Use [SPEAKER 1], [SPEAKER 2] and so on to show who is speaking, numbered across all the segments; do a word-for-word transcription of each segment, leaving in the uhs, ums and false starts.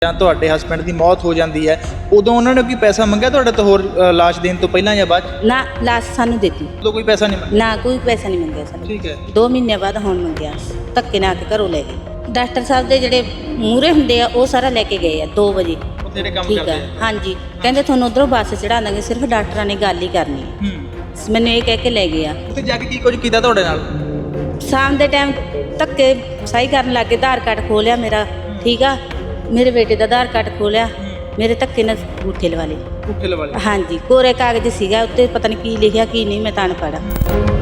[SPEAKER 1] ਜਾਂ ਤੁਹਾਡੇ ਹਸਬੈਂਡ ਦੀ ਮੌਤ ਹੋ ਜਾਂਦੀ ਹੈ ਉਦੋਂ ਉਹਨਾਂ ਨੇ ਕੋਈ ਪੈਸਾ ਮੰਗਿਆ ਤੁਹਾਡੇ ਤੋਂ ਹੋਰ ਅ, ਲਾਸ਼ ਦੇਣ ਤੋਂ ਪਹਿਲਾਂ ਜਾਂ ਬਾਅਦ 'ਚ?
[SPEAKER 2] ਨਾ ਲਾਸ਼ ਸਾਨੂੰ ਦਿੱਤੀ
[SPEAKER 1] ਉਦੋਂ ਕੋਈ ਪੈਸਾ ਨਹੀਂ ਮੰਗਿਆ?
[SPEAKER 2] ਨਾ ਕੋਈ ਪੈਸਾ ਨਹੀਂ ਮੰਗਿਆ ਸਾਨੂੰ।
[SPEAKER 1] ਠੀਕ ਹੈ।
[SPEAKER 2] ਦੋ ਮਹੀਨੇ ਬਾਅਦ ਹੁਣ ਮੰਗਿਆ, ਧੱਕੇ ਨਾਲ ਆ ਕੇ ਘਰੋਂ ਲੈ ਗਏ। ਡਾਕਟਰ ਸਾਹਿਬ ਦੇ ਜਿਹੜੇ ਮੂਹਰੇ ਹੁੰਦੇ ਆ ਉਹ ਸਾਰਾ ਲੈ ਕੇ ਗਏ ਆ ਦੋ ਵਜੇ।
[SPEAKER 1] ਉੱਥੇ ਜਿਹੜੇ ਕੰਮ
[SPEAKER 2] ਠੀਕ
[SPEAKER 1] ਕਰਦੇ
[SPEAKER 2] ਆ,
[SPEAKER 1] ਆ?
[SPEAKER 2] ਹਾਂਜੀ। ਕਹਿੰਦੇ ਤੁਹਾਨੂੰ ਉਧਰੋਂ ਬੱਸ ਚੜਾ ਦਾਂਗੇ, ਸਿਰਫ ਡਾਕਟਰਾਂ ਨੇ ਗੱਲ ਹੀ ਕਰਨੀ ਹੈ।
[SPEAKER 1] ਹੂੰ।
[SPEAKER 2] ਮੈਨੂੰ ਇਹ ਕਹਿ ਕੇ ਲੈ ਗਏ ਆ।
[SPEAKER 1] ਉੱਥੇ ਜਾ ਕੇ ਕੀ ਕੁਝ ਕੀਤਾ ਤੁਹਾਡੇ ਨਾਲ?
[SPEAKER 2] ਸ਼ਾਮ ਦੇ ਟਾਈਮ ਧੱਕੇ ਸਹੀ ਕਰਨ ਲੱਗੇ, ਆਧਾਰ ਕਾਰਡ ਖੋਲਿਆ ਮੇਰਾ, ਠੀਕ ਆ, ਮੇਰੇ ਬੇਟੇ ਦਾ ਆਧਾਰ ਕਾਰਡ ਖੋਲਿਆ, ਮੇਰੇ ਧੱਕੇ ਨਾਲ ਅੰਗੂਠੇ ਲਵਾ ਲਏ।
[SPEAKER 1] ਅੰਗੂਠੇ ਲਵਾ ਲਏ? ਹਾਂਜੀ।
[SPEAKER 2] ਕੋਰੇ ਕਾਗਜ਼ ਸੀਗਾ, ਉੱਤੇ ਪਤਾ ਨਹੀਂ ਕੀ ਲਿਖਿਆ ਕੀ ਨਹੀਂ, ਮੈਂ ਤਾਂ ਅਨਪੜ੍ਹ ਆ।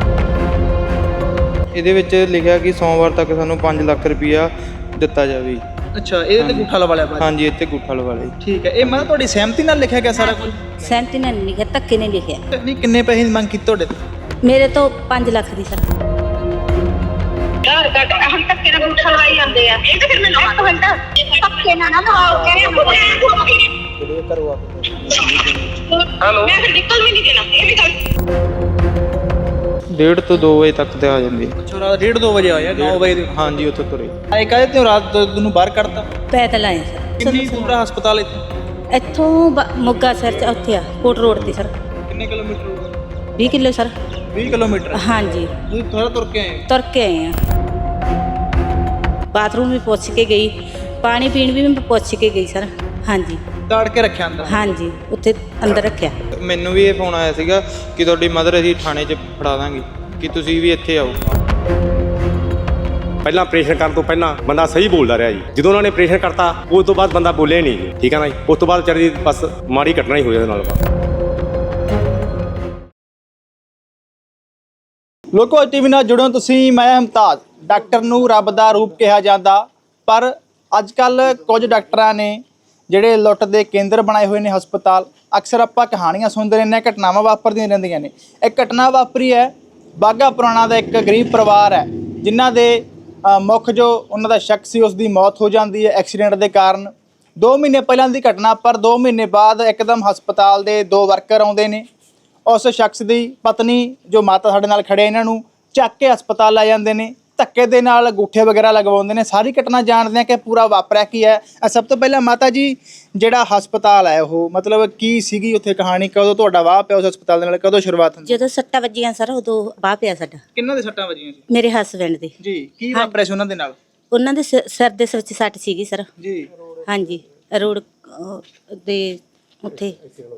[SPEAKER 3] ਇਹਦੇ ਵਿੱਚ ਲਿਖਿਆ ਕਿ ਸੋਮਵਾਰ ਤੱਕ ਸਾਨੂੰ ਪੰਜ ਲੱਖ ਰੁਪਇਆ ਦਿੱਤਾ ਜਾਵੇ।
[SPEAKER 1] ਅੱਛਾ, ਇਹਦੇ ਤੇ ਅੰਗੂਠਾ ਲਵਾ ਲਿਆ ਬਾਅਦ 'ਚ?
[SPEAKER 3] ਹਾਂਜੀ, ਇੱਥੇ ਗੁੱਠਾ ਲਵਾ ਲਿਆ।
[SPEAKER 1] ਠੀਕ ਹੈ। ਇਹ ਮੈਂ ਤੁਹਾਡੀ ਸਹਿਮਤੀ ਨਾਲ ਲਿਖਿਆ ਗਿਆ ਸਾਰਾ ਕੁਝ?
[SPEAKER 2] ਸਹਿਮਤੀ ਨਾਲ ਨਹੀਂ ਲਿਖਿਆ, ਧੱਕੇ ਨੇ ਲਿਖਿਆ।
[SPEAKER 1] ਨਹੀਂ, ਕਿੰਨੇ ਪੈਸੇ ਦੀ ਮੰਗ ਕੀਤੀ ਤੁਹਾਡੇ ਤੋਂ?
[SPEAKER 2] ਮੇਰੇ ਤੋਂ ਪੰਜ ਲੱਖ ਦੀ ਸਰ।
[SPEAKER 4] ਘਰ ਕੱਟ ਹਮ ਧੱਕੇ ਨਾਲ ਅੰਗੂਠਾ ਲਵਾਈ ਜਾਂਦੇ ਆ। ਇਹ ਤਾਂ ਫਿਰ ਮੈਨੂੰ ਇੱਕ ਮਿੰਟ ਧੱਕੇ ਨਾਲ ਨਾ ਲਵਾਓ, ਕਹਿੰਦੇ
[SPEAKER 1] ਜਿਹੜੇ ਕਰਵਾ
[SPEAKER 4] ਹੈਲੋ ਮੈਂ ਫਿਰ ਨਿਕਲ ਵੀ ਨਹੀਂ ਦੇਣਾ। ਇਹ ਵੀ ਗੱਲ
[SPEAKER 3] ਡੇਢ ਤੋਂ ਦੋ ਵਜੇ ਤੱਕ ਤੇ ਆ ਜਾਂਦੀ।
[SPEAKER 1] ਅੱਛਾ, ਰਾਤ ਡੇਢ ਦੋ ਵਜੇ ਆਇਆ, ਨੌ ਵਜੇ ਦੇ?
[SPEAKER 3] ਹਾਂਜੀ, ਉੱਥੇ ਤੁਰੇ।
[SPEAKER 1] ਆਏ ਕਾਹਦੇ ਤੇ ਰਾਤ ਨੂੰ ਬਾਹਰ ਕੱਢਤਾ?
[SPEAKER 2] ਪੈਦਲ ਆਏ ਸਰ।
[SPEAKER 1] ਕਿੰਨੀ ਦੂਰ ਆ ਹਸਪਤਾਲ ਇੱਥੇ?
[SPEAKER 2] ਇੱਥੋਂ ਬ- ਮੋਗਾ ਸਰ ਚ ਉੱਥੇ ਆ, ਕੋਟ ਰੋਡ ਤੇ ਸਰ।
[SPEAKER 1] ਕਿੰਨੇ ਕਿਲੋਮੀਟਰ ਹੋਊਗਾ?
[SPEAKER 2] ਵੀਹ ਕਿਲੋ ਸਰ।
[SPEAKER 1] ਵੀਹ ਕਿਲੋਮੀਟਰ?
[SPEAKER 2] ਹਾਂਜੀ,
[SPEAKER 1] ਤੁਸੀਂ ਥੋੜਾ ਤੁਰ ਕੇ ਆਏ ਹੋ?
[SPEAKER 2] ਤੁਰ ਕੇ ਆਏ ਆ। ਬਾਥਰੂਮ ਵੀ ਪੁੱਛ ਕੇ ਗਈ, ਪਾਣੀ ਪੀਣ ਵੀ ਮੈਂ ਪੁੱਛ ਕੇ ਗਈ ਸਰ। ਹਾਂਜੀ
[SPEAKER 1] ਤਾੜ ਕੇ ਰੱਖਿਆ ਅੰਦਰ?
[SPEAKER 2] ਹਾਂਜੀ, ਉੱਥੇ ਅੰਦਰ ਰੱਖਿਆ।
[SPEAKER 3] ਮੈਨੂੰ ਵੀ ਇਹ ਫੋਨ ਆਇਆ ਸੀਗਾ ਕਿ ਤੁਹਾਡੀ ਮਦਰ ਅਸੀਂ ਥਾਣੇ 'ਚ ਫੜਾ ਦਾਂਗੇ, ਕਿ ਤੁਸੀਂ ਵੀ ਇੱਥੇ ਆਓ।
[SPEAKER 5] ਪਹਿਲਾਂ ਆਪਰੇਸ਼ਨ ਕਰਨ ਤੋਂ ਪਹਿਲਾਂ ਬੰਦਾ ਸਹੀ ਬੋਲਦਾ ਰਿਹਾ ਜੀ। ਜਦੋਂ ਉਹਨਾਂ ਨੇ ਆਪਰੇਸ਼ਨ ਕਰਤਾ ਉਸ ਤੋਂ ਬਾਅਦ ਬੰਦਾ ਬੋਲਿਆ ਨਹੀਂ ਜੀ। ਠੀਕ ਹੈ ਨਾ ਜੀ। ਉਸ ਤੋਂ ਬਾਅਦ ਵਿਚਾਰੀ ਦੀ ਬਸ ਮਾੜੀ ਘਟਨਾ ਹੀ ਹੋਈ ਉਹਦੇ ਨਾਲ।
[SPEAKER 1] ਲੋਕੋ ਟੀਵੀ ਨਾਲ ਜੁੜੋ ਤੁਸੀਂ। ਮੈਂ ਮੁਮਤਾਜ਼। ਡਾਕਟਰ ਨੂੰ ਰੱਬ ਦਾ ਰੂਪ ਕਿਹਾ ਜਾਂਦਾ, ਪਰ ਅੱਜ ਕੱਲ ਕੁਝ ਡਾਕਟਰਾਂ ਨੇ ਜਿਹੜੇ ਲੁੱਟ ਦੇ ਕੇਂਦਰ ਬਣਾਏ ਹੋਏ ਨੇ ਹਸਪਤਾਲ। ਅਕਸਰ ਆਪਾਂ ਕਹਾਣੀਆਂ ਸੁਣਦੇ ਰਹਿੰਦੇ ਹਾਂ, ਘਟਨਾਵਾਂ ਵਾਪਰਦੀਆਂ ਰਹਿੰਦੀਆਂ ਨੇ। ਇੱਕ ਘਟਨਾ ਵਾਪਰੀ ਹੈ ਬਾਘਾ ਪੁਰਾਣਾ ਦਾ। ਇੱਕ ਗਰੀਬ ਪਰਿਵਾਰ ਹੈ ਜਿਨ੍ਹਾਂ ਦੇ ਅ, ਮੁੱਖ ਜੋ ਉਹਨਾਂ ਦਾ ਸ਼ੱਕ ਸੀ ਉਸ ਦੀ ਮੌਤ ਹੋ ਜਾਂਦੀ ਹੈ ਐਕਸੀਡੈਂਟ ਦੇ ਕਾਰਨ। ਦੋ ਮਹੀਨੇ ਪਹਿਲਾਂ ਦੀ ਘਟਨਾ, ਪਰ ਦੋ ਮਹੀਨੇ ਬਾਅਦ ਇੱਕਦਮ ਹਸਪਤਾਲ ਦੇ ਦੋ ਵਰਕਰ ਆਉਂਦੇ ਨੇ। ਉਸ ਸ਼ਖਸ ਦੀ ਪਤਨੀ ਜੋ ਮਾਤਾ ਸਾਡੇ ਨਾਲ ਖੜੇ, ਇਹਨਾਂ ਨੂੰ ਚੱਕ ਕੇ ਹਸਪਤਾਲ ਲੈ ਜਾਂਦੇ ਨੇ, ਧੱਕੇ ਦੇ ਨਾਲ ਅੰਗੂਠੇ ਵਗੈਰਾ ਲਗਵਾਉਂਦੇ ਨੇ। ਸਾਰੀ ਘਟਨਾ ਜਾਣਦੇ ਹਾਂ ਕਿ ਪੂਰਾ ਵਾਪਰਿਆ ਕੀ ਹੈ। ਸਭ ਤੋਂ ਪਹਿਲਾਂ ਮਾਤਾ ਜੀ, ਜਿਹੜਾ ਹਸਪਤਾਲ ਹੈ ਉਹ ਮਤਲਬ ਕੀ ਸੀਗੀ ਉੱਥੇ ਕਹਾਣੀ? ਕਦੋਂ ਤੁਹਾਡਾ ਵਾਹ ਪਿਆ ਉਸ ਹਸਪਤਾਲ ਦੇ ਨਾਲ? ਕਦੋਂ ਸ਼ੁਰੂਆਤ ਹੁੰਦੀ?
[SPEAKER 2] ਜਦੋਂ ਸੱਟਾਂ ਵੱਜੀਆਂ ਸਰ ਉਦੋਂ ਬਾਹ ਪਿਆ ਸਾਡਾ।
[SPEAKER 1] ਕਿੰਨਾਂ ਦੇ ਸੱਟਾਂ ਵੱਜੀਆਂ ਸੀ?
[SPEAKER 2] ਮੇਰੇ ਹਸਬੈਂਡ ਦੇ।
[SPEAKER 1] ਜੀ, ਕੀ ਵਾਪਰਿਆ ਸੀ ਉਹਨਾਂ ਦੇ ਨਾਲ?
[SPEAKER 2] ਉਹਨਾਂ ਦੇ ਸਿ- ਸਿਰ ਦੇ ਵਿੱਚ ਸੱਟ ਸੀਗੀ ਸਰ।
[SPEAKER 1] ਜੀ।
[SPEAKER 2] ਹਾਂਜੀ, ਰੋਡ ਅਹ, ਦੇ ਉੱਥੇ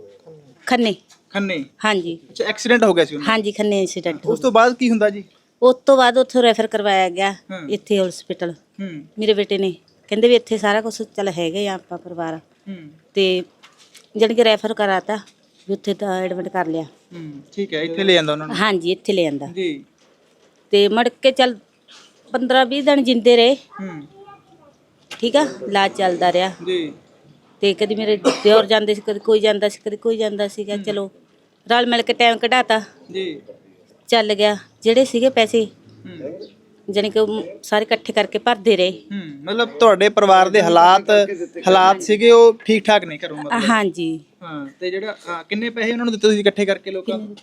[SPEAKER 2] ਖੰਨੇ।
[SPEAKER 1] ਖੰਨੇ?
[SPEAKER 2] ਹਾਂਜੀ
[SPEAKER 1] ਅੱਛਾ, ਐਕਸੀਡੈਂਟ ਹੋ ਗਿਆ ਸੀ ਉਹਨਾਂ ਦਾ?
[SPEAKER 2] ਹਾਂਜੀ, ਖੰਨੇ ਇੰਸੀਡੈਂਟ।
[SPEAKER 1] ਉਸ ਤੋਂ ਬਾਅਦ ਕੀ ਹੁੰਦਾ ਜੀ?
[SPEAKER 2] ਉਸ ਤੋਂ ਬਾਅਦ ਉੱਥੋਂ ਰੈਫਰ ਕਰਵਾਇਆ ਗਿਆ
[SPEAKER 1] ਹੂੰ।
[SPEAKER 2] ਇੱਥੇ ਹਸਪੀਟਲ।
[SPEAKER 1] ਹੂੰ
[SPEAKER 2] ਮੇਰੇ ਬੇਟੇ ਨੇ ਕਹਿੰਦੇ ਵੀ ਇੱਥੇ ਸਾਰਾ ਕੁਝ ਚੱਲ ਹੈਗੇ ਆ ਆਪਾਂ ਪਰਿਵਾਰ,
[SPEAKER 1] ਹੂੰ
[SPEAKER 2] ਤੇ ਜਾਣੀ ਕਿ ਰੈਫਰ ਕਰਾਤਾ ਵੀ ਉੱਥੇ ਤਾਂ ਐਡਮਿਟ ਕਰ ਲਿਆ।
[SPEAKER 1] ਹੂੰ ਠੀਕ ਹੈ। ਇੱਥੇ ਲੈ ਜਾਂਦਾ ਉਹਨਾਂ ਨੂੰ?
[SPEAKER 2] ਹਾਂਜੀ, ਇੱਥੇ ਲੈ ਆਂਦਾ।
[SPEAKER 1] ਜੀ।
[SPEAKER 2] ਤੇ ਮੜ ਕੇ ਚੱਲ ਪੰਦਰਾਂ ਵੀਹ ਦਿਨ ਜਿੰਦੇ ਰਹੇ।
[SPEAKER 1] ਹੂੰ
[SPEAKER 2] ਠੀਕ ਆ, ਇਲਾਜ ਚੱਲਦਾ ਰਿਹਾ।
[SPEAKER 1] ਜੀ।
[SPEAKER 2] ਤੇ ਕਦੀ ਮੇਰੇ ਦਿਓਰ ਜਾਂਦੇ ਸੀ, ਕਦੀ ਕੋਈ ਜਾਂਦਾ ਸੀ, ਕਦੀ ਕੋਈ ਜਾਂਦਾ ਸੀਗਾ। ਚਲੋ ਰਲ ਮਿਲ ਕੇ ਟਾਈਮ ਕਢਾਤਾ,
[SPEAKER 1] ਜੀ।
[SPEAKER 2] ਚੱਲ ਗਿਆ। ਜਿਹੜੇ ਸੀਗੇ ਪੈਸੇ
[SPEAKER 1] ਹੂੰ
[SPEAKER 2] ਜਾਣੀ ਕਿ ਉਹ ਸਾਰੇ ਇਕੱਠੇ ਕਰਕੇ ਭਰਦੇ ਰਹੇ।
[SPEAKER 1] ਹੂੰ ਮਤਲਬ ਤੁਹਾਡੇ ਪਰਿਵਾਰ ਦੇ ਹਾਲਾਤ ਹਾਲਾਤ ਸੀਗੇ ਉਹ ਠੀਕ ਠਾਕ ਨਹੀਂ ਘਰੋਂ ਮਤਲਬ?
[SPEAKER 2] ਹਾਂਜੀ।
[SPEAKER 1] ਹਾਂ। ਤੇ ਜਿਹੜਾ ਅ, ਕਿੰਨੇ ਪੈਸੇ ਉਹਨਾਂ ਨੂੰ ਦਿੱਤੇ ਤੁਸੀਂ ਇਕੱਠੇ ਕਰਕੇ ਲੋਕਾਂ ਨੂੰ?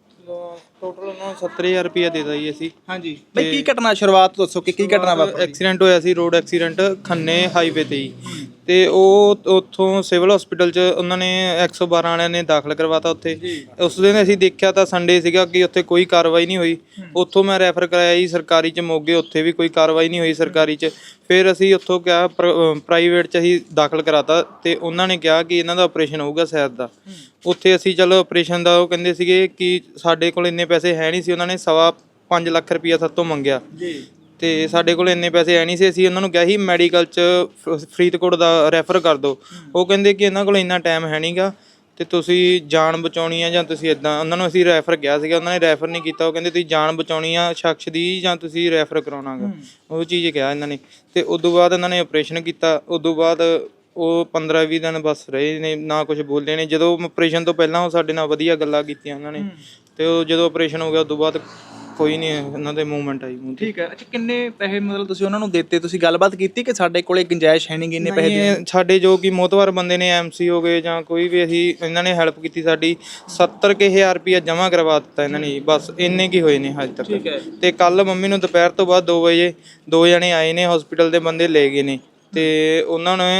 [SPEAKER 3] ਟੋਟਲ ਉਹਨਾਂ ਨੂੰ ਸੱਤਰ ਹਜ਼ਾਰ ਰੁਪਇਆ ਦੇ ਦਿੱਤਾ ਜੀ ਅਸੀਂ।
[SPEAKER 1] ਹਾਂਜੀ ਬਈ, ਕੀ ਘਟਨਾ ਸ਼ੁਰੂਆਤ ਤੋਂ ਦੱਸੋ ਕਿ ਕੀ ਘਟਨਾ ਵਾਪਰੀ?
[SPEAKER 3] ਐਕਸੀਡੈਂਟ ਹੋਇਆ ਸੀ, ਰੋਡ ਐਕਸੀਡੈਂਟ ਖੰਨੇ ਹਾਈਵੇ ਤੇ ਹੀ। ਤੇ ਉਹ ਉੱਥੋਂ ਸਿਵਲ ਹਸਪੀਟਲ 'ਚ ਉਹਨਾਂ ਨੇ ਇੱਕ ਸੌ ਬਾਰਾਂ ਵਾਲਿਆਂ ਨੇ ਦਾਖਲ ਕਰਵਾਤਾ ਉੱਥੇ। ਉਸ ਦਿਨ ਅਸੀਂ ਦੇਖਿਆ ਤਾਂ ਸੰਡੇ ਸੀਗਾ ਕਿ ਉੱਥੇ ਕੋਈ ਕਾਰਵਾਈ ਨਹੀਂ ਹੋਈ। ਉੱਥੋਂ ਮੈਂ ਰੈਫਰ ਕਰਾਇਆ ਜੀ ਸਰਕਾਰੀ 'ਚ ਮੋਗੇ, ਉੱਥੇ ਵੀ ਕੋਈ ਕਾਰਵਾਈ ਨਹੀਂ ਹੋਈ ਸਰਕਾਰੀ 'ਚ। ਫਿਰ ਅਸੀਂ ਉੱਥੋਂ ਕਿਹਾ ਪ੍ਰਾਈਵੇਟ 'ਚ ਅਸੀਂ ਦਾਖਲ ਕਰਾਤਾ, ਤੇ ਉਹਨਾਂ ਨੇ ਕਿਹਾ ਕਿ ਇਹਨਾਂ ਦਾ ਆਪਰੇਸ਼ਨ ਹੋਊਗਾ ਸ਼ਾਇਦ ਦਾ। ਉੱਥੇ ਅਸੀਂ ਚਲੋ ਆਪਰੇਸ਼ਨ ਦਾ ਉਹ ਕਹਿੰਦੇ ਸੀਗੇ ਕਿ ਸਾਡੇ ਕੋਲ ਇੰਨੇ ਪੈਸੇ ਹੈ ਨਹੀਂ ਸੀ। ਉਹਨਾਂ ਨੇ ਸਵਾ ਪੰਜ ਲੱਖ ਰੁਪਈਆ ਸਾਡੇ ਤੋਂ ਮੰਗਿਆ, ਤੇ ਸਾਡੇ ਕੋਲ ਇੰਨੇ ਪੈਸੇ ਹੈ ਨਹੀਂ ਸੀ। ਅਸੀਂ ਉਹਨਾਂ ਨੂੰ ਕਿਹਾ ਸੀ ਮੈਡੀਕਲ 'ਚ ਫਰੀਦਕੋਟ ਦਾ ਰੈਫਰ ਕਰ ਦਿਓ। ਉਹ ਕਹਿੰਦੇ ਕਿ ਇਹਨਾਂ ਕੋਲ ਇੰਨਾ ਟਾਈਮ ਹੈ ਨਹੀਂ ਗਾ, ਤੇ ਤੁਸੀਂ ਜਾਨ ਬਚਾਉਣੀ ਆ ਜਾਂ ਤੁਸੀਂ ਇੱਦਾਂ। ਉਹਨਾਂ ਨੂੰ ਅਸੀਂ ਰੈਫਰ ਕਿਹਾ ਸੀਗਾ, ਉਹਨਾਂ ਨੇ ਰੈਫਰ ਨਹੀਂ ਕੀਤਾ। ਉਹ ਕਹਿੰਦੇ ਤੁਸੀਂ ਜਾਨ ਬਚਾਉਣੀ ਆ ਸ਼ਖਸ ਦੀ ਜਾਂ ਤੁਸੀਂ ਰੈਫਰ ਕਰਾਉਣਾ ਗਾ, ਉਹ ਚੀਜ਼ ਕਿਹਾ ਇਹਨਾਂ ਨੇ। ਤੇ ਉਦੋਂ ਬਾਅਦ ਇਹਨਾਂ ਨੇ ਆਪਰੇਸ਼ਨ ਕੀਤਾ। ਉਦੋਂ ਬਾਅਦ ਉਹ ਪੰਦਰਾਂ ਵੀਹ ਦਿਨ ਬਸ ਰਹੇ ਨੇ, ਨਾ ਕੁਝ ਬੋਲੇ ਨੇ। ਜਦੋਂ ਆਪਰੇਸ਼ਨ ਤੋਂ ਪਹਿਲਾਂ ਉਹ ਸਾਡੇ ਨਾਲ ਵਧੀਆ ਗੱਲਾਂ ਕੀਤੀਆਂ ਉਹਨਾਂ ਨੇ, ਤੇ ਉਹ ਜਦੋਂ ਆਪਰੇਸ਼ਨ ਹੋ ਗਿਆ ਉਦੋਂ ਬਾਅਦ ਕੋਈ ਨਹੀਂ ਇਹਨਾਂ ਦੇ ਮੂਵਮੈਂਟ ਆਈ ਮੂੰਹ ਤੇ।
[SPEAKER 1] ਠੀਕ ਹੈ। ਅੱਛਾ, ਕਿੰਨੇ ਪੈਸੇ ਮਤਲਬ ਤੁਸੀਂ ਉਹਨਾਂ ਨੂੰ ਦਿੱਤੇ? ਤੁਸੀਂ ਗੱਲਬਾਤ ਕੀਤੀ ਕਿ ਸਾਡੇ ਕੋਲੇ ਗੁੰਜਾਇਸ਼ ਹੈ ਨਹੀਂ ਇੰਨੇ ਪੈਸੇ
[SPEAKER 3] ਨਹੀਂ,
[SPEAKER 1] ਦੀ?
[SPEAKER 3] ਸਾਡੇ ਜੋ ਕਿ ਮੋਤਵਾਰ ਬੰਦੇ ਨੇ, ਐਮਸੀ ਹੋ ਗਏ ਜਾਂ ਕੋਈ ਵੀ, ਅਸੀਂ ਇਹਨਾਂ ਨੇ ਹੈਲਪ ਕੀਤੀ ਸਾਡੀ। ਸੱਤਰ ਕੁ ਹਜ਼ਾਰ ਰੁਪਇਆ ਜਮ੍ਹਾਂ ਕਰਵਾ ਦਿੱਤਾ ਇਹਨਾਂ ਨੇ, ਬਸ ਇੰਨੇ ਕੀ ਹੋਏ ਨੇ ਹਜੇ
[SPEAKER 1] ਠੀਕ ਹੈ।
[SPEAKER 3] ਤੱਕ। ਤੇ ਕੱਲ ਮੰਮੀ ਨੂੰ ਦੁਪਹਿਰ ਤੋਂ ਬਾਅਦ ਦੋ ਵਜੇ ਦੋ ਜਣੇ ਆਏ ਨੇ, ਹਸਪੀਟਲ ਦੇ ਬੰਦੇ ਲੈ ਗਏ ਨੇ, ਤੇ ਉਹਨਾਂ ਨੇ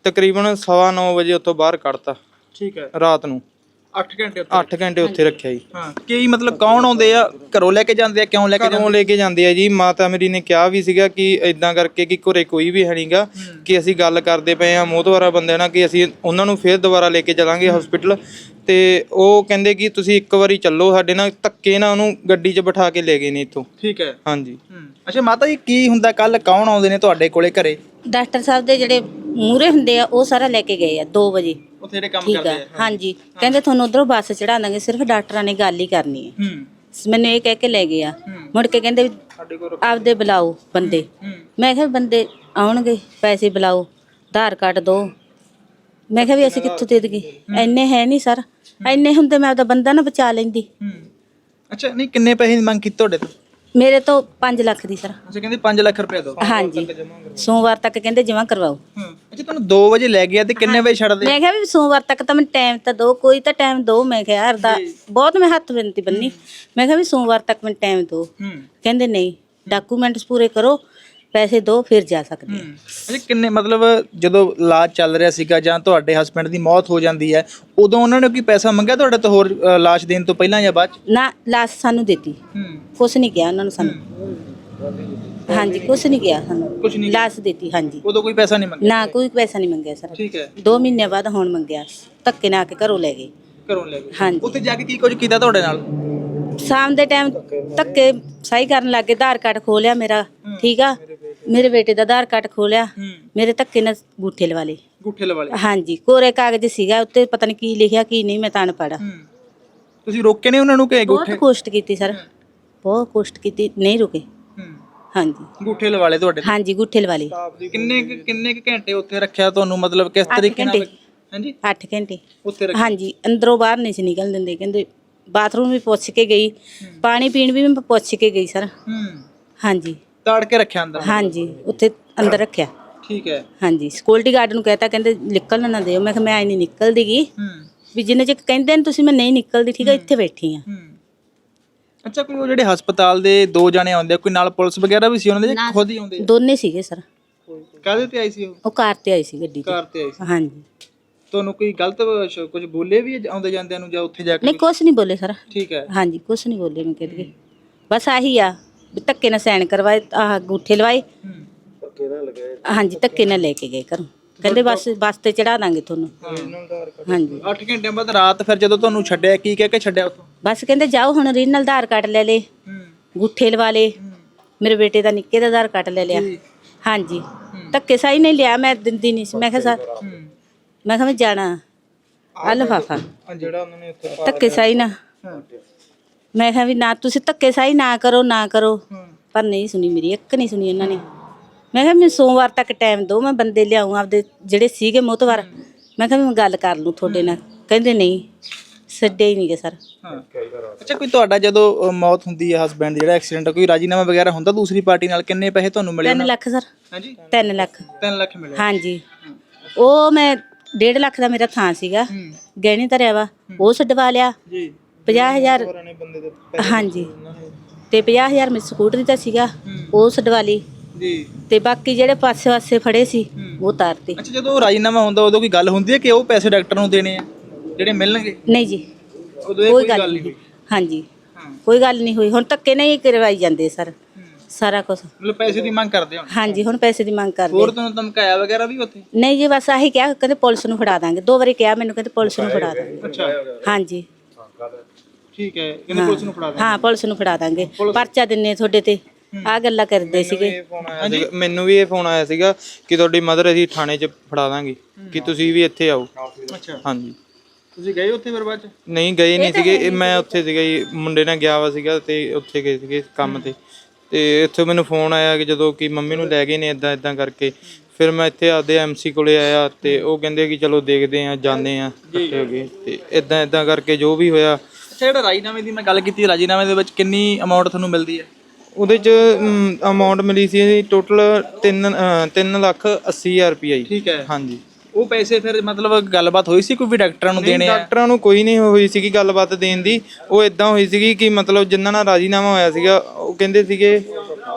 [SPEAKER 3] ਤਕਰੀਬਨ ਸਵਾ ਨੌ ਵਜੇ ਉੱਥੋਂ ਬਾਹਰ ਕੱਢਤਾ
[SPEAKER 1] ਠੀਕ ਹੈ।
[SPEAKER 3] ਰਾਤ ਨੂੰ
[SPEAKER 1] ਅੱਠ ਘੰਟੇ ਉੱਥੇ
[SPEAKER 3] ਅੱਠ ਘੰਟੇ ਉੱਥੇ ਰੱਖਿਆ ਜੀ।
[SPEAKER 1] ਹਾਂ ਕੀ ਮਤਲਬ ਕੌਣ ਆਉਂਦੇ ਆ, ਘਰੋਂ ਲੈ ਕੇ ਜਾਂਦੇ ਆ, ਕਿਉਂ ਲੈ ਕੇ
[SPEAKER 3] ਘਰੋਂ
[SPEAKER 1] ਜਾਂਦੇ?
[SPEAKER 3] ਲੈ ਕੇ ਜਾਂਦੇ ਆ ਜੀ। ਮਾਤਾ ਮੇਰੀ ਨੇ ਕਿਹਾ ਵੀ ਸੀਗਾ ਕਿ ਇਦਾਂ ਕਰਕੇ ਕਿ ਘਰੇ ਕੋਈ ਵੀ ਹੈ ਨਹੀਂਗਾ, ਕਿ ਅਸੀਂ ਗੱਲ ਕਰਦੇ ਪਏ ਆ ਮੋਹਤਵਾਰਾ ਬੰਦੇ ਨਾਲ ਕਿ ਅਸੀਂ ਉਹਨਾਂ ਨੂੰ ਫੇਰ ਦੁਬਾਰਾ ਲੈ ਕੇ ਚੱਲਾਂਗੇ ਹਸਪੀਟਲ। ਤੇ ਉਹ ਕਹਿੰਦੇ ਕਿ ਤੁਸੀਂ ਇੱਕ ਵਾਰੀ ਚੱਲੋ ਸਾਡੇ ਨਾਲ, ਧੱਕੇ ਨਾਲ ਉਹਨੂੰ ਗੱਡੀ 'ਚ ਬਿਠਾ ਕੇ ਲੈ ਗਏ ਨੇ ਇੱਥੋਂ।
[SPEAKER 1] ਠੀਕ ਹੈ।
[SPEAKER 3] ਹਾਂਜੀ।
[SPEAKER 1] ਅੱਛਾ ਮਾਤਾ ਜੀ ਕੀ ਹੁੰਦਾ, ਕੱਲ ਕੌਣ ਆਉਂਦੇ ਨੇ ਤੁਹਾਡੇ ਕੋਲੇ ਘਰੇ?
[SPEAKER 2] ਡਾਕਟਰ ਸਾਹਿਬ ਦੇ ਜਿਹੜੇ ਮੂਹਰੇ ਹੁੰਦੇ ਆ ਉਹ ਸਾਰਾ ਲੈ ਕੇ ਗਏ ਆ ਦੋ ਵਜੇ।
[SPEAKER 1] ਉੱਥੇ ਜਿਹੜੇ ਕੰਮ
[SPEAKER 2] ਠੀਕ
[SPEAKER 1] ਕਰਦੇ
[SPEAKER 2] ਆ,
[SPEAKER 1] ਆ?
[SPEAKER 2] ਹਾਂਜੀ। ਕਹਿੰਦੇ ਤੁਹਾਨੂੰ ਉਧਰੋਂ ਬੱਸ ਚੜਾ ਦਾਂਗੇ, ਸਿਰਫ ਡਾਕਟਰਾਂ ਨੇ ਗੱਲ ਹੀ ਕਰਨੀ ਹੈ।
[SPEAKER 1] ਹੂੰ।
[SPEAKER 2] ਮੈਨੂੰ ਇਹ ਕਹਿ ਕੇ ਲੈ ਗਏ ਆ। ਮੁੜ ਕੇ ਕਹਿੰਦੇ ਵੀ ਆਪਦੇ ਬੁਲਾਓ ਬੰਦੇ। ਮੈਂ ਕਿਹਾ ਵੀ ਬੰਦੇ ਆਉਣਗੇ, ਪੈਸੇ ਬੁਲਾਓ, ਆਧਾਰ ਕਾਰਡ ਦਿਓ। ਮੈਂ ਕਿਹਾ ਵੀ ਅਸੀਂ ਕਿੱਥੋਂ ਦੇ ਦੇਈਏ, ਇੰਨੇ ਹੈ ਨਹੀਂ ਸਰ, ਇੰਨੇ ਹੁੰਦੇ ਮੈਂ ਆਪਦਾ ਬੰਦਾ ਨਾ ਬਚਾ ਲੈਂਦੀ।
[SPEAKER 1] ਹੂੰ। ਅੱਛਾ ਨਹੀਂ ਕਿੰਨੇ ਪੈਸੇ ਦੀ ਮੰਗ ਕੀਤੀ ਤੁਹਾਡੇ ਤੋਂ?
[SPEAKER 2] ਮੇਰੇ ਤੋਂ ਪੰਜ ਲੱਖ ਦੀ ਸਰ।
[SPEAKER 1] ਅੱਛਾ ਕਹਿੰਦੇ ਪੰਜ ਲੱਖ ਰੁਪਏ ਦਿਓ।
[SPEAKER 2] ਹਾਂਜੀ, ਸੋਮਵਾਰ ਤੱਕ ਕਹਿੰਦੇ ਜਮ੍ਹਾਂ ਕਰਵਾਓ।
[SPEAKER 1] ਹੂੰ। ਅੱਛਾ ਤੁਹਾਨੂੰ ਦੋ ਵਜੇ ਲੈ ਗਿਆ ਤੇ ਕਿੰਨੇ ਵਜੇ ਛੱਡਦੇ?
[SPEAKER 2] ਮੈਂ ਕਿਹਾ ਵੀ ਸੋਮਵਾਰ ਤੱਕ ਤਾਂ ਮੈਨੂੰ ਟਾਈਮ ਤਾਂ ਦਿਓ, ਕੋਈ ਤਾਂ ਟਾਈਮ ਦਿਓ। ਮੈਂ ਕਿਹਾ ਅਰਦਾ ਬਹੁਤ ਮੈਂ ਹੱਥ ਬਿਨਤੀ ਬੰਨੀ। ਮੈਂ ਕਿਹਾ ਵੀ ਸੋਮਵਾਰ ਤੱਕ ਮੈਨੂੰ ਟਾਈਮ ਦਿਓ।
[SPEAKER 1] ਹੂੰ।
[SPEAKER 2] ਕਹਿੰਦੇ ਨਹੀਂ, ਡਾਕੂਮੈਂਟਸ ਪੂਰੇ ਕਰੋ, ਪੈਸੇ ਦਿਓ, ਫਿਰ ਜਾ ਸਕਦੇ ਹਾਂ।
[SPEAKER 1] ਅੱਛਾ ਕਿੰਨੇ ਮਤਲਬ ਜਦੋਂ ਇਲਾਜ ਚੱਲ ਰਿਹਾ ਸੀਗਾ ਜਾਂ ਤੁਹਾਡੇ ਹਸਬੰਡ ਦੀ ਮੌਤ ਹੋ ਜਾਂਦੀ ਹੈ ਉਦੋਂ ਉਹਨਾਂ ਨੇ ਕੋਈ ਪੈਸਾ ਮੰਗਿਆ ਤੁਹਾਡੇ ਤੋਂ ਹੋਰ ਅ, ਲਾਸ਼ ਦੇਣ ਤੋਂ ਪਹਿਲਾਂ ਜਾਂ ਬਾਅਦ ਚ?
[SPEAKER 2] ਨਾ ਲਾਸ਼ ਸਾਨੂੰ ਦਿੱਤੀ,
[SPEAKER 1] ਹੂੰ।
[SPEAKER 2] ਕੁਛ ਨਹੀਂ ਕਿਹਾ ਉਹਨਾਂ ਨੂੰ ਸਾਨੂੰ। ਹਾਂਜੀ, ਕੁਛ ਨਹੀਂ ਕਿਹਾ ਸਾਨੂੰ,
[SPEAKER 1] ਕੁਛ ਨਹੀਂ
[SPEAKER 2] ਲਾਸ਼ ਦਿੱਤੀ। ਹਾਂਜੀ,
[SPEAKER 1] ਉਦੋਂ ਕੋਈ ਪੈਸਾ ਨਹੀਂ ਮੰਗਿਆ?
[SPEAKER 2] ਨਾ ਕੋਈ ਪੈਸਾ ਨਹੀਂ ਮੰਗਿਆ ਸਰ।
[SPEAKER 1] ਠੀਕ ਹੈ।
[SPEAKER 2] ਦੋ ਮਹੀਨੇ ਬਾਅਦ ਹੁਣ ਮੰਗਿਆ, ਧੱਕੇ ਨਾਲ ਆ ਕੇ ਘਰੋਂ ਲੈ ਗਏ।
[SPEAKER 1] ਘਰੋਂ ਲੈ ਗਏ?
[SPEAKER 2] ਹਾਂਜੀ।
[SPEAKER 1] ਉੱਥੇ ਜਾ ਕੇ ਕੀ ਕੁਝ ਕੀਤਾ ਤੁਹਾਡੇ ਨਾਲ?
[SPEAKER 2] ਸ਼ਾਮ ਦੇ ਟਾਈਮ ਧੱਕੇ ਸਹੀ ਕਰਨ ਲੱਗੇ, ਆਧਾਰ ਕਾਰਡ ਖੋਲਿਆ ਮੇਰਾ। ਠੀਕ ਆ, ਮੇਰੇ ਬੇਟੇ ਦਾ ਆਧਾਰ ਕਾਰਡ ਖੋਲਿਆ, ਮੇਰੇ ਧੱਕੇ ਨਾਲ ਅੰਗੂਠੇ ਲਵਾ ਲਏ।
[SPEAKER 1] ਅੰਗੂਠੇ ਲਵਾ ਲਏ?
[SPEAKER 2] ਹਾਂਜੀ, ਕੋਰੇ ਕਾਗਜ਼ ਸੀਗਾ ਉੱਤੇ, ਪਤਾ ਨਹੀਂ ਕੀ ਲਿਖਿਆ ਕੀ ਨਹੀਂ, ਮੈਂ ਤਾਂ ਅਨਪੜ੍ਹ।
[SPEAKER 1] ਹੂੰ। ਤੁਸੀਂ ਰੋਕੇ ਨੇ ਉਹਨਾਂ ਨੂੰ ਕਿ
[SPEAKER 2] ਬਹੁਤ
[SPEAKER 1] ਅੰਗੂਠੇ?
[SPEAKER 2] ਕੋਸ਼ਟ ਕੀਤੀ ਸਰ, ਬਹੁਤ ਕੋਸ਼ਟ ਕੀਤੀ, ਨਹੀਂ ਰੁਕੇ।
[SPEAKER 1] ਹੂੰ।
[SPEAKER 2] ਹਾਂਜੀ
[SPEAKER 1] ਅੰਗੂਠੇ ਲਵਾ ਲਏ ਤੁਹਾਡੇ?
[SPEAKER 2] ਹਾਂਜੀ, ਅੰਗੂਠੇ ਲਵਾ ਲਏ।
[SPEAKER 1] ਕਿੰਨੇ ਕੁ- ਕਿੰਨੇ ਕੁ ਘੰਟੇ ਉੱਥੇ ਰੱਖਿਆ ਤੁਹਾਨੂੰ, ਮਤਲਬ ਕਿਸ
[SPEAKER 2] ਅੱਠ
[SPEAKER 1] ਤਰੀਕੇ ਨਾਲ?
[SPEAKER 2] ਘੰਟੇ।
[SPEAKER 1] ਹਾਂਜੀ
[SPEAKER 2] ਅੱਠ ਘੰਟੇ
[SPEAKER 1] ਉੱਥੇ ਰੱਖਿਆ?
[SPEAKER 2] ਹਾਂਜੀ, ਅੰਦਰੋਂ ਬਾਹਰ ਨਹੀਂ ਸੀ ਨਿਕਲਣ ਦਿੰਦੇ। ਕਹਿੰਦੇ ਬਾਥਰੂਮ ਵੀ ਪੁੱਛ ਕੇ ਗਈ, ਪਾਣੀ ਪੀਣ ਵੀ ਮੈਂ ਪੁੱਛ ਕੇ ਗਈ ਸਰ।
[SPEAKER 1] ਹੂੰ।
[SPEAKER 2] ਹਾਂਜੀ
[SPEAKER 1] ਤਾੜ ਕੇ ਰੱਖਿਆ ਅੰਦਰ?
[SPEAKER 2] ਹਾਂਜੀ, ਉੱਥੇ ਅੰਦਰ ਰੱਖਿਆ।
[SPEAKER 1] ਠੀਕ ਹੈ।
[SPEAKER 2] ਹਾਂਜੀ, ਸਿਕਿਉਰਿਟੀ ਗਾਰਡ ਨੂੰ ਕਹਿਤਾ, ਕਹਿੰਦੇ ਨਿਕਲਣ ਨਾ ਦਿਓ। ਮੈਂ ਕਿਹਾ ਮੈਂ ਐ ਨਹੀਂ ਨਿਕਲਦੀ ਗੀ,
[SPEAKER 1] ਹੂੰ।
[SPEAKER 2] ਵੀ ਜਿੰਨੇ ਚਿਰ ਕਹਿੰਦੇ ਨੇ ਤੁਸੀਂ, ਮੈਂ ਨਹੀਂ ਨਿਕਲਦੀ। ਠੀਕ ਹੈ, ਇੱਥੇ ਬੈਠੀ ਆ।
[SPEAKER 1] ਹੂੰ। ਅੱਛਾ ਕੋਈ ਉਹ ਜਿਹੜੇ ਹਸਪਤਾਲ ਦੇ ਦੋ ਜਣੇ ਆਉਂਦੇ ਆ, ਕੋਈ ਨਾਲ ਪੁਲਿਸ ਵਗੈਰਾ ਵੀ ਸੀ ਉਹਨਾਂ ਦੇ ਜਾਂ ਖੁਦ ਹੀ ਆਉਂਦੇ ਆ?
[SPEAKER 2] ਦੋਨੇ ਸੀਗੇ ਸਰ।
[SPEAKER 1] ਕਾਹਦੇ ਤੇ ਆਈ ਸੀ ਉਹ?
[SPEAKER 2] ਉਹ ਕਾਰ ਤੇ ਆਈ ਸੀ, ਗੱਡੀ ਤੇ।
[SPEAKER 1] ਕਾਰ ਤੇ ਆਈ ਸੀ।
[SPEAKER 2] ਹਾਂਜੀ,
[SPEAKER 1] ਤੁਹਾਨੂੰ ਕੋਈ ਗਲਤ ਸ਼- ਕੁਝ ਬੋਲੇ ਵੀ ਆਉਂਦੇ ਜਾਂਦਿਆਂ ਨੂੰ ਜਾਂ ਉੱਥੇ ਜਾ ਕੇ?
[SPEAKER 2] ਨਹੀਂ ਕੁਛ ਨਹੀਂ ਬੋਲੇ ਸਰ।
[SPEAKER 1] ਠੀਕ ਹੈ।
[SPEAKER 2] ਹਾਂਜੀ, ਕੁਛ ਨਹੀਂ ਬੋਲੇ। ਮੈਂ ਕਹਿੰਦੀ ਬਸ ਆਹੀ ਆ ਵੀ ਧੱਕੇ ਨਾਲ ਸਾਈਨ ਕਰਵਾਏ, ਆਹ ਅੰਗੂਠੇ ਲਵਾਏ। ਹਾਂਜੀ, ਧੱਕੇ ਨਾਲ ਲੈ ਕੇ ਗਏ ਘਰੋਂ। ਕਹਿੰਦੇ ਬਸ ਬੱਸ ਤੇ ਚੜਾ ਦਾਂਗੇ ਤੁਹਾਨੂੰ। ਹਾਂਜੀ,
[SPEAKER 1] ਅੱਠ ਘੰਟਿਆਂ ਬਾਅਦ ਰਾਤ ਫਿਰ ਜਦੋਂ ਤੁਹਾਨੂੰ ਛੱਡਿਆ ਕੀ ਕਹਿ ਕੇ ਛੱਡਿਆ ਉੱਥੋਂ?
[SPEAKER 2] ਬਸ ਕਹਿੰਦੇ ਜਾਓ ਹੁਣ ਰੀਨਲ ਆਧਾਰ ਕਾਰਡ ਲੈ ਲੇ, ਅੰਗੂਠੇ ਲਵਾ ਲੇ। ਮੇਰੇ ਬੇਟੇ ਦਾ ਨਿੱਕੇ ਦਾ ਆਧਾਰ ਕਾਰਡ ਲੈ ਲਿਆ। ਹਾਂਜੀ, ਧੱਕੇ ਸਾਈ ਨਹੀਂ ਲਿਆ, ਮੈਂ ਦਿੰਦੀ ਨਹੀਂ ਸੀ। ਮੈਂ ਕਿਹਾ ਸਰ, ਮੈਂ ਕਿਹਾ ਮੈਂ ਜਾਣਾ ਆ ਲਿਫਾਫਾ,
[SPEAKER 1] ਜਿਹੜਾ ਉਹਨਾਂ ਨੇ ਉੱਥੇ
[SPEAKER 2] ਧੱਕੇ ਸਾਈ ਨਾ। ਮੈਂ ਕਿਹਾ ਵੀ ਨਾ ਤੁਸੀਂ ਧੱਕੇ ਸਾਈ ਨਾ ਕਰੋ, ਨਾ ਕਰੋ। ਪਰ ਨਹੀਂ ਸੁਣੀ ਮੇਰੀ, ਇੱਕ ਨਹੀਂ ਸੁਣੀ ਇਹਨਾਂ ਨੇ। ਮੈਂ ਕਿਹਾ ਮੈਨੂੰ ਸੋਮਵਾਰ ਤੱਕ ਟਾਈਮ ਦਿਓ, ਮੈਂ ਬੰਦੇ ਲਿਆਉਂ ਆਪਦੇ ਜਿਹੜੇ ਸੀਗੇ ਮੋਹਤਵਾਰ। ਮੈਂ ਕਿਹਾ ਵੀ ਮੈਂ ਗੱਲ ਕਰ ਲੂੰ ਤੁਹਾਡੇ ਨਾਲ। ਕਹਿੰਦੇ ਨਹੀਂ, ਛੱਡੇ ਹੀ ਨਹੀਂ ਗਏ ਸਰ।
[SPEAKER 1] ਹਾਂ। ਅੱਛਾ ਕੋਈ ਤੁਹਾਡਾ ਜਦੋਂ ਅ, ਮੌਤ ਹੁੰਦੀ ਹੈ ਹਸਬੈਂਡ ਜਿਹੜਾ ਐਕਸੀਡੈਂਟ, ਕੋਈ ਰਾਜੀਨਾਮਾ ਵਗੈਰਾ ਹੁੰਦਾ ਦੂਸਰੀ ਪਾਰਟੀ ਨਾਲ? ਕਿੰਨੇ ਪੈਸੇ ਤੁਹਾਨੂੰ ਮਿਲੇ?
[SPEAKER 2] ਤਿੰਨ ਲੱਖ ਸਰ।
[SPEAKER 1] ਹਾਂਜੀ
[SPEAKER 2] ਤਿੰਨ ਲੱਖ।
[SPEAKER 1] ਤਿੰਨ ਲੱਖ ਮਿਲੇ?
[SPEAKER 2] ਹਾਂਜੀ, ਉਹ ਮੈਂ ਡੇਢ ਲੱਖ ਦਾ ਮੇਰਾ ਥਾਂ ਸੀਗਾ, ਗਹਿਣੇ ਧਰਿਆ ਵਾ, ਉਹ ਛਡਵਾ ਲਿਆ।
[SPEAKER 1] ਜੀ।
[SPEAKER 2] ਪੰਜਾਹ ਹਜ਼ਾਰ ਹਾਂਜੀ, ਤੇ ਪੰਜਾਹ ਹਜ਼ਾਰ ਮੇਰੇ ਸਕੂਟਰੀ ਦਾ ਸੀਗਾ, ਉਹ ਛਡਵਾ ਲਈ।
[SPEAKER 1] ਜੀ।
[SPEAKER 2] ਤੇ ਬਾਕੀ ਜਿਹੜੇ ਪਾਸੇ ਪਾਸੇ ਫੜੇ ਸੀ ਉਹ ਉਤਾਰਤੇ।
[SPEAKER 1] ਅੱਛਾ ਜਦੋਂ ਰਾਜੀਨਾਮਾ ਹੁੰਦਾ ਉਦੋਂ ਕੋਈ ਗੱਲ ਹੁੰਦੀ ਹੈ ਕਿ ਉਹ ਪੈਸੇ ਡਾਕਟਰ ਨੂੰ ਦੇਣੇ ਆ ਜਿਹੜੇ ਮਿਲਣਗੇ?
[SPEAKER 2] ਨਹੀਂ ਜੀ,
[SPEAKER 1] ਉਦੋਂ ਇਹ
[SPEAKER 2] ਕੋਈ ਗੱਲ ਨਹੀਂ। ਹਾਂਜੀ, ਕੋਈ ਗੱਲ ਨਹੀਂ ਹੋਈ। ਹੁਣ ਧੱਕੇ ਨਹੀਂ ਕਰਵਾਈ ਜਾਂਦੇ ਸਰ, ਸਾਰਾ ਕੁਝ।
[SPEAKER 1] ਮਤਲਬ ਪੈਸੇ ਦੀ ਮੰਗ ਕਰਦੇ ਹੋ?
[SPEAKER 2] ਹਾਂਜੀ, ਹੁਣ ਪੈਸੇ ਦੀ ਮੰਗ ਕਰਦੇ।
[SPEAKER 1] ਹੋਰ ਤੁਹਾਨੂੰ ਧਮਕਾਇਆ ਵਗੈਰਾ ਵੀ ਉੱਥੇ?
[SPEAKER 2] ਨਹੀਂ ਜੀ, ਬਸ ਆਹੀ ਕਿਹਾ, ਕਹਿੰਦੇ ਪੁਲਿਸ ਨੂੰ ਫੜਾ ਦਾਂਗੇ। ਦੋ ਵਾਰੀ ਕਿਹਾ ਮੈਨੂੰ, ਕਹਿੰਦੇ ਪੁਲਿਸ ਨੂੰ ਫੜਾ ਦਾਂਗੇ।
[SPEAKER 1] ਅੱਛਾ
[SPEAKER 2] ਹਾਂਜੀ,
[SPEAKER 1] ਠੀਕ ਹੈ, ਕਹਿੰਦੇ ਪੁਲਿਸ ਨੂੰ ਫੜਾ ਦੇ।
[SPEAKER 2] ਹਾਂ ਪੁਲਿਸ ਨੂੰ ਫੜਾ ਦਾਂਗੇ, ਪਰਚਾ ਦਿੰਨੇ ਤੁਹਾਡੇ ਤੇ। ਆਹ ਗੱਲਾਂ ਕਰਦੇ ਸੀਗੇ।
[SPEAKER 3] ਮੈਨੂੰ ਵੀ ਇਹ ਫੋਨ ਆਇਆ ਸੀਗਾ ਕਿ ਤੁਹਾਡੀ ਮਦਰ ਅਸੀਂ ਥਾਣੇ 'ਚ ਫੜਾ ਦਾਂਗੇ, ਕਿ ਤੁਸੀਂ ਵੀ ਇੱਥੇ ਆਓ।
[SPEAKER 1] ਅੱਛਾ
[SPEAKER 3] ਹਾਂਜੀ।
[SPEAKER 1] ਤੁਸੀਂ ਗਏ ਉੱਥੇ ਫਿਰ ਬਾਅਦ ਚ?
[SPEAKER 3] ਨਹੀਂ ਗਏ ਨਹੀਂ ਸੀਗੇ, ਇਹ ਮੈਂ ਉੱਥੇ ਸੀਗਾ ਜੀ, ਮੁੰਡੇ ਨਾਲ ਗਿਆ ਵਾ ਸੀਗਾ ਤੇ ਉੱਥੇ ਗਏ ਸੀਗੇ ਕੰਮ ਤੇ। ਤੇ ਇੱਥੇ ਮੈਨੂੰ ਫੋਨ ਆਇਆ ਕਿ ਜਦੋਂ ਕਿ ਮੰਮੀ ਨੂੰ ਲੈ ਗਏ ਨੇ ਇਦਾਂ ਇਦਾਂ ਕਰਕੇ। ਫਿਰ ਮੈਂ ਇੱਥੇ ਆਪਦੇ ਐਮਸੀ ਕੋਲੇ ਆਇਆ ਤੇ ਉਹ ਕਹਿੰਦੇ ਕਿ ਚਲੋ ਦੇਖਦੇ ਆ, ਜਾਂਦੇ ਆ, ਇਕੱਠੇ ਹੋ ਗਏ ਤੇ ਇਦਾਂ ਇਦਾਂ ਕਰਕੇ ਜੋ ਵੀ ਹੋਇਆ।
[SPEAKER 1] ਅੱਛਾ ਜਿਹੜਾ ਰਾਜੀਨਾਮੇ ਦੀ ਮੈਂ ਗੱਲ ਕੀਤੀ, ਰਾਜੀਨਾਮੇ ਦੇ ਵਿੱਚ ਕਿੰਨੀ ਅਮਾਉਂਟ ਤੁਹਾਨੂੰ ਮਿਲਦੀ ਹੈ?
[SPEAKER 3] ਉਹਦੇ 'ਚ ਅਮਾਊਂਟ ਮਿਲੀ ਸੀ ਟੋਟਲ ਤਿੰਨ ਤਿੰਨ ਲੱਖ ਅੱਸੀ ਹਜ਼ਾਰ ਰੁਪਈਆ ਜੀ।
[SPEAKER 1] ਠੀਕ ਹੈ।
[SPEAKER 3] ਹਾਂਜੀ।
[SPEAKER 1] ਉਹ ਪੈਸੇ ਫਿਰ ਮਤਲਬ ਗੱਲਬਾਤ ਹੋਈ ਸੀ ਕੋਈ ਵੀ ਡਾਕਟਰਾਂ ਨੂੰ ਦੇਣੇ ਆ?
[SPEAKER 3] ਡਾਕਟਰਾਂ ਨੂੰ ਕੋਈ ਨਹੀਂ ਹੋਈ ਸੀਗੀ ਗੱਲਬਾਤ ਦੇਣ ਦੀ। ਉਹ ਇਦਾਂ ਹੋਈ ਸੀਗੀ ਕਿ ਮਤਲਬ ਜਿਨ੍ਹਾਂ ਨਾਲ ਰਾਜੀਨਾਮਾ ਹੋਇਆ ਸੀਗਾ ਉਹ ਕਹਿੰਦੇ ਸੀਗੇ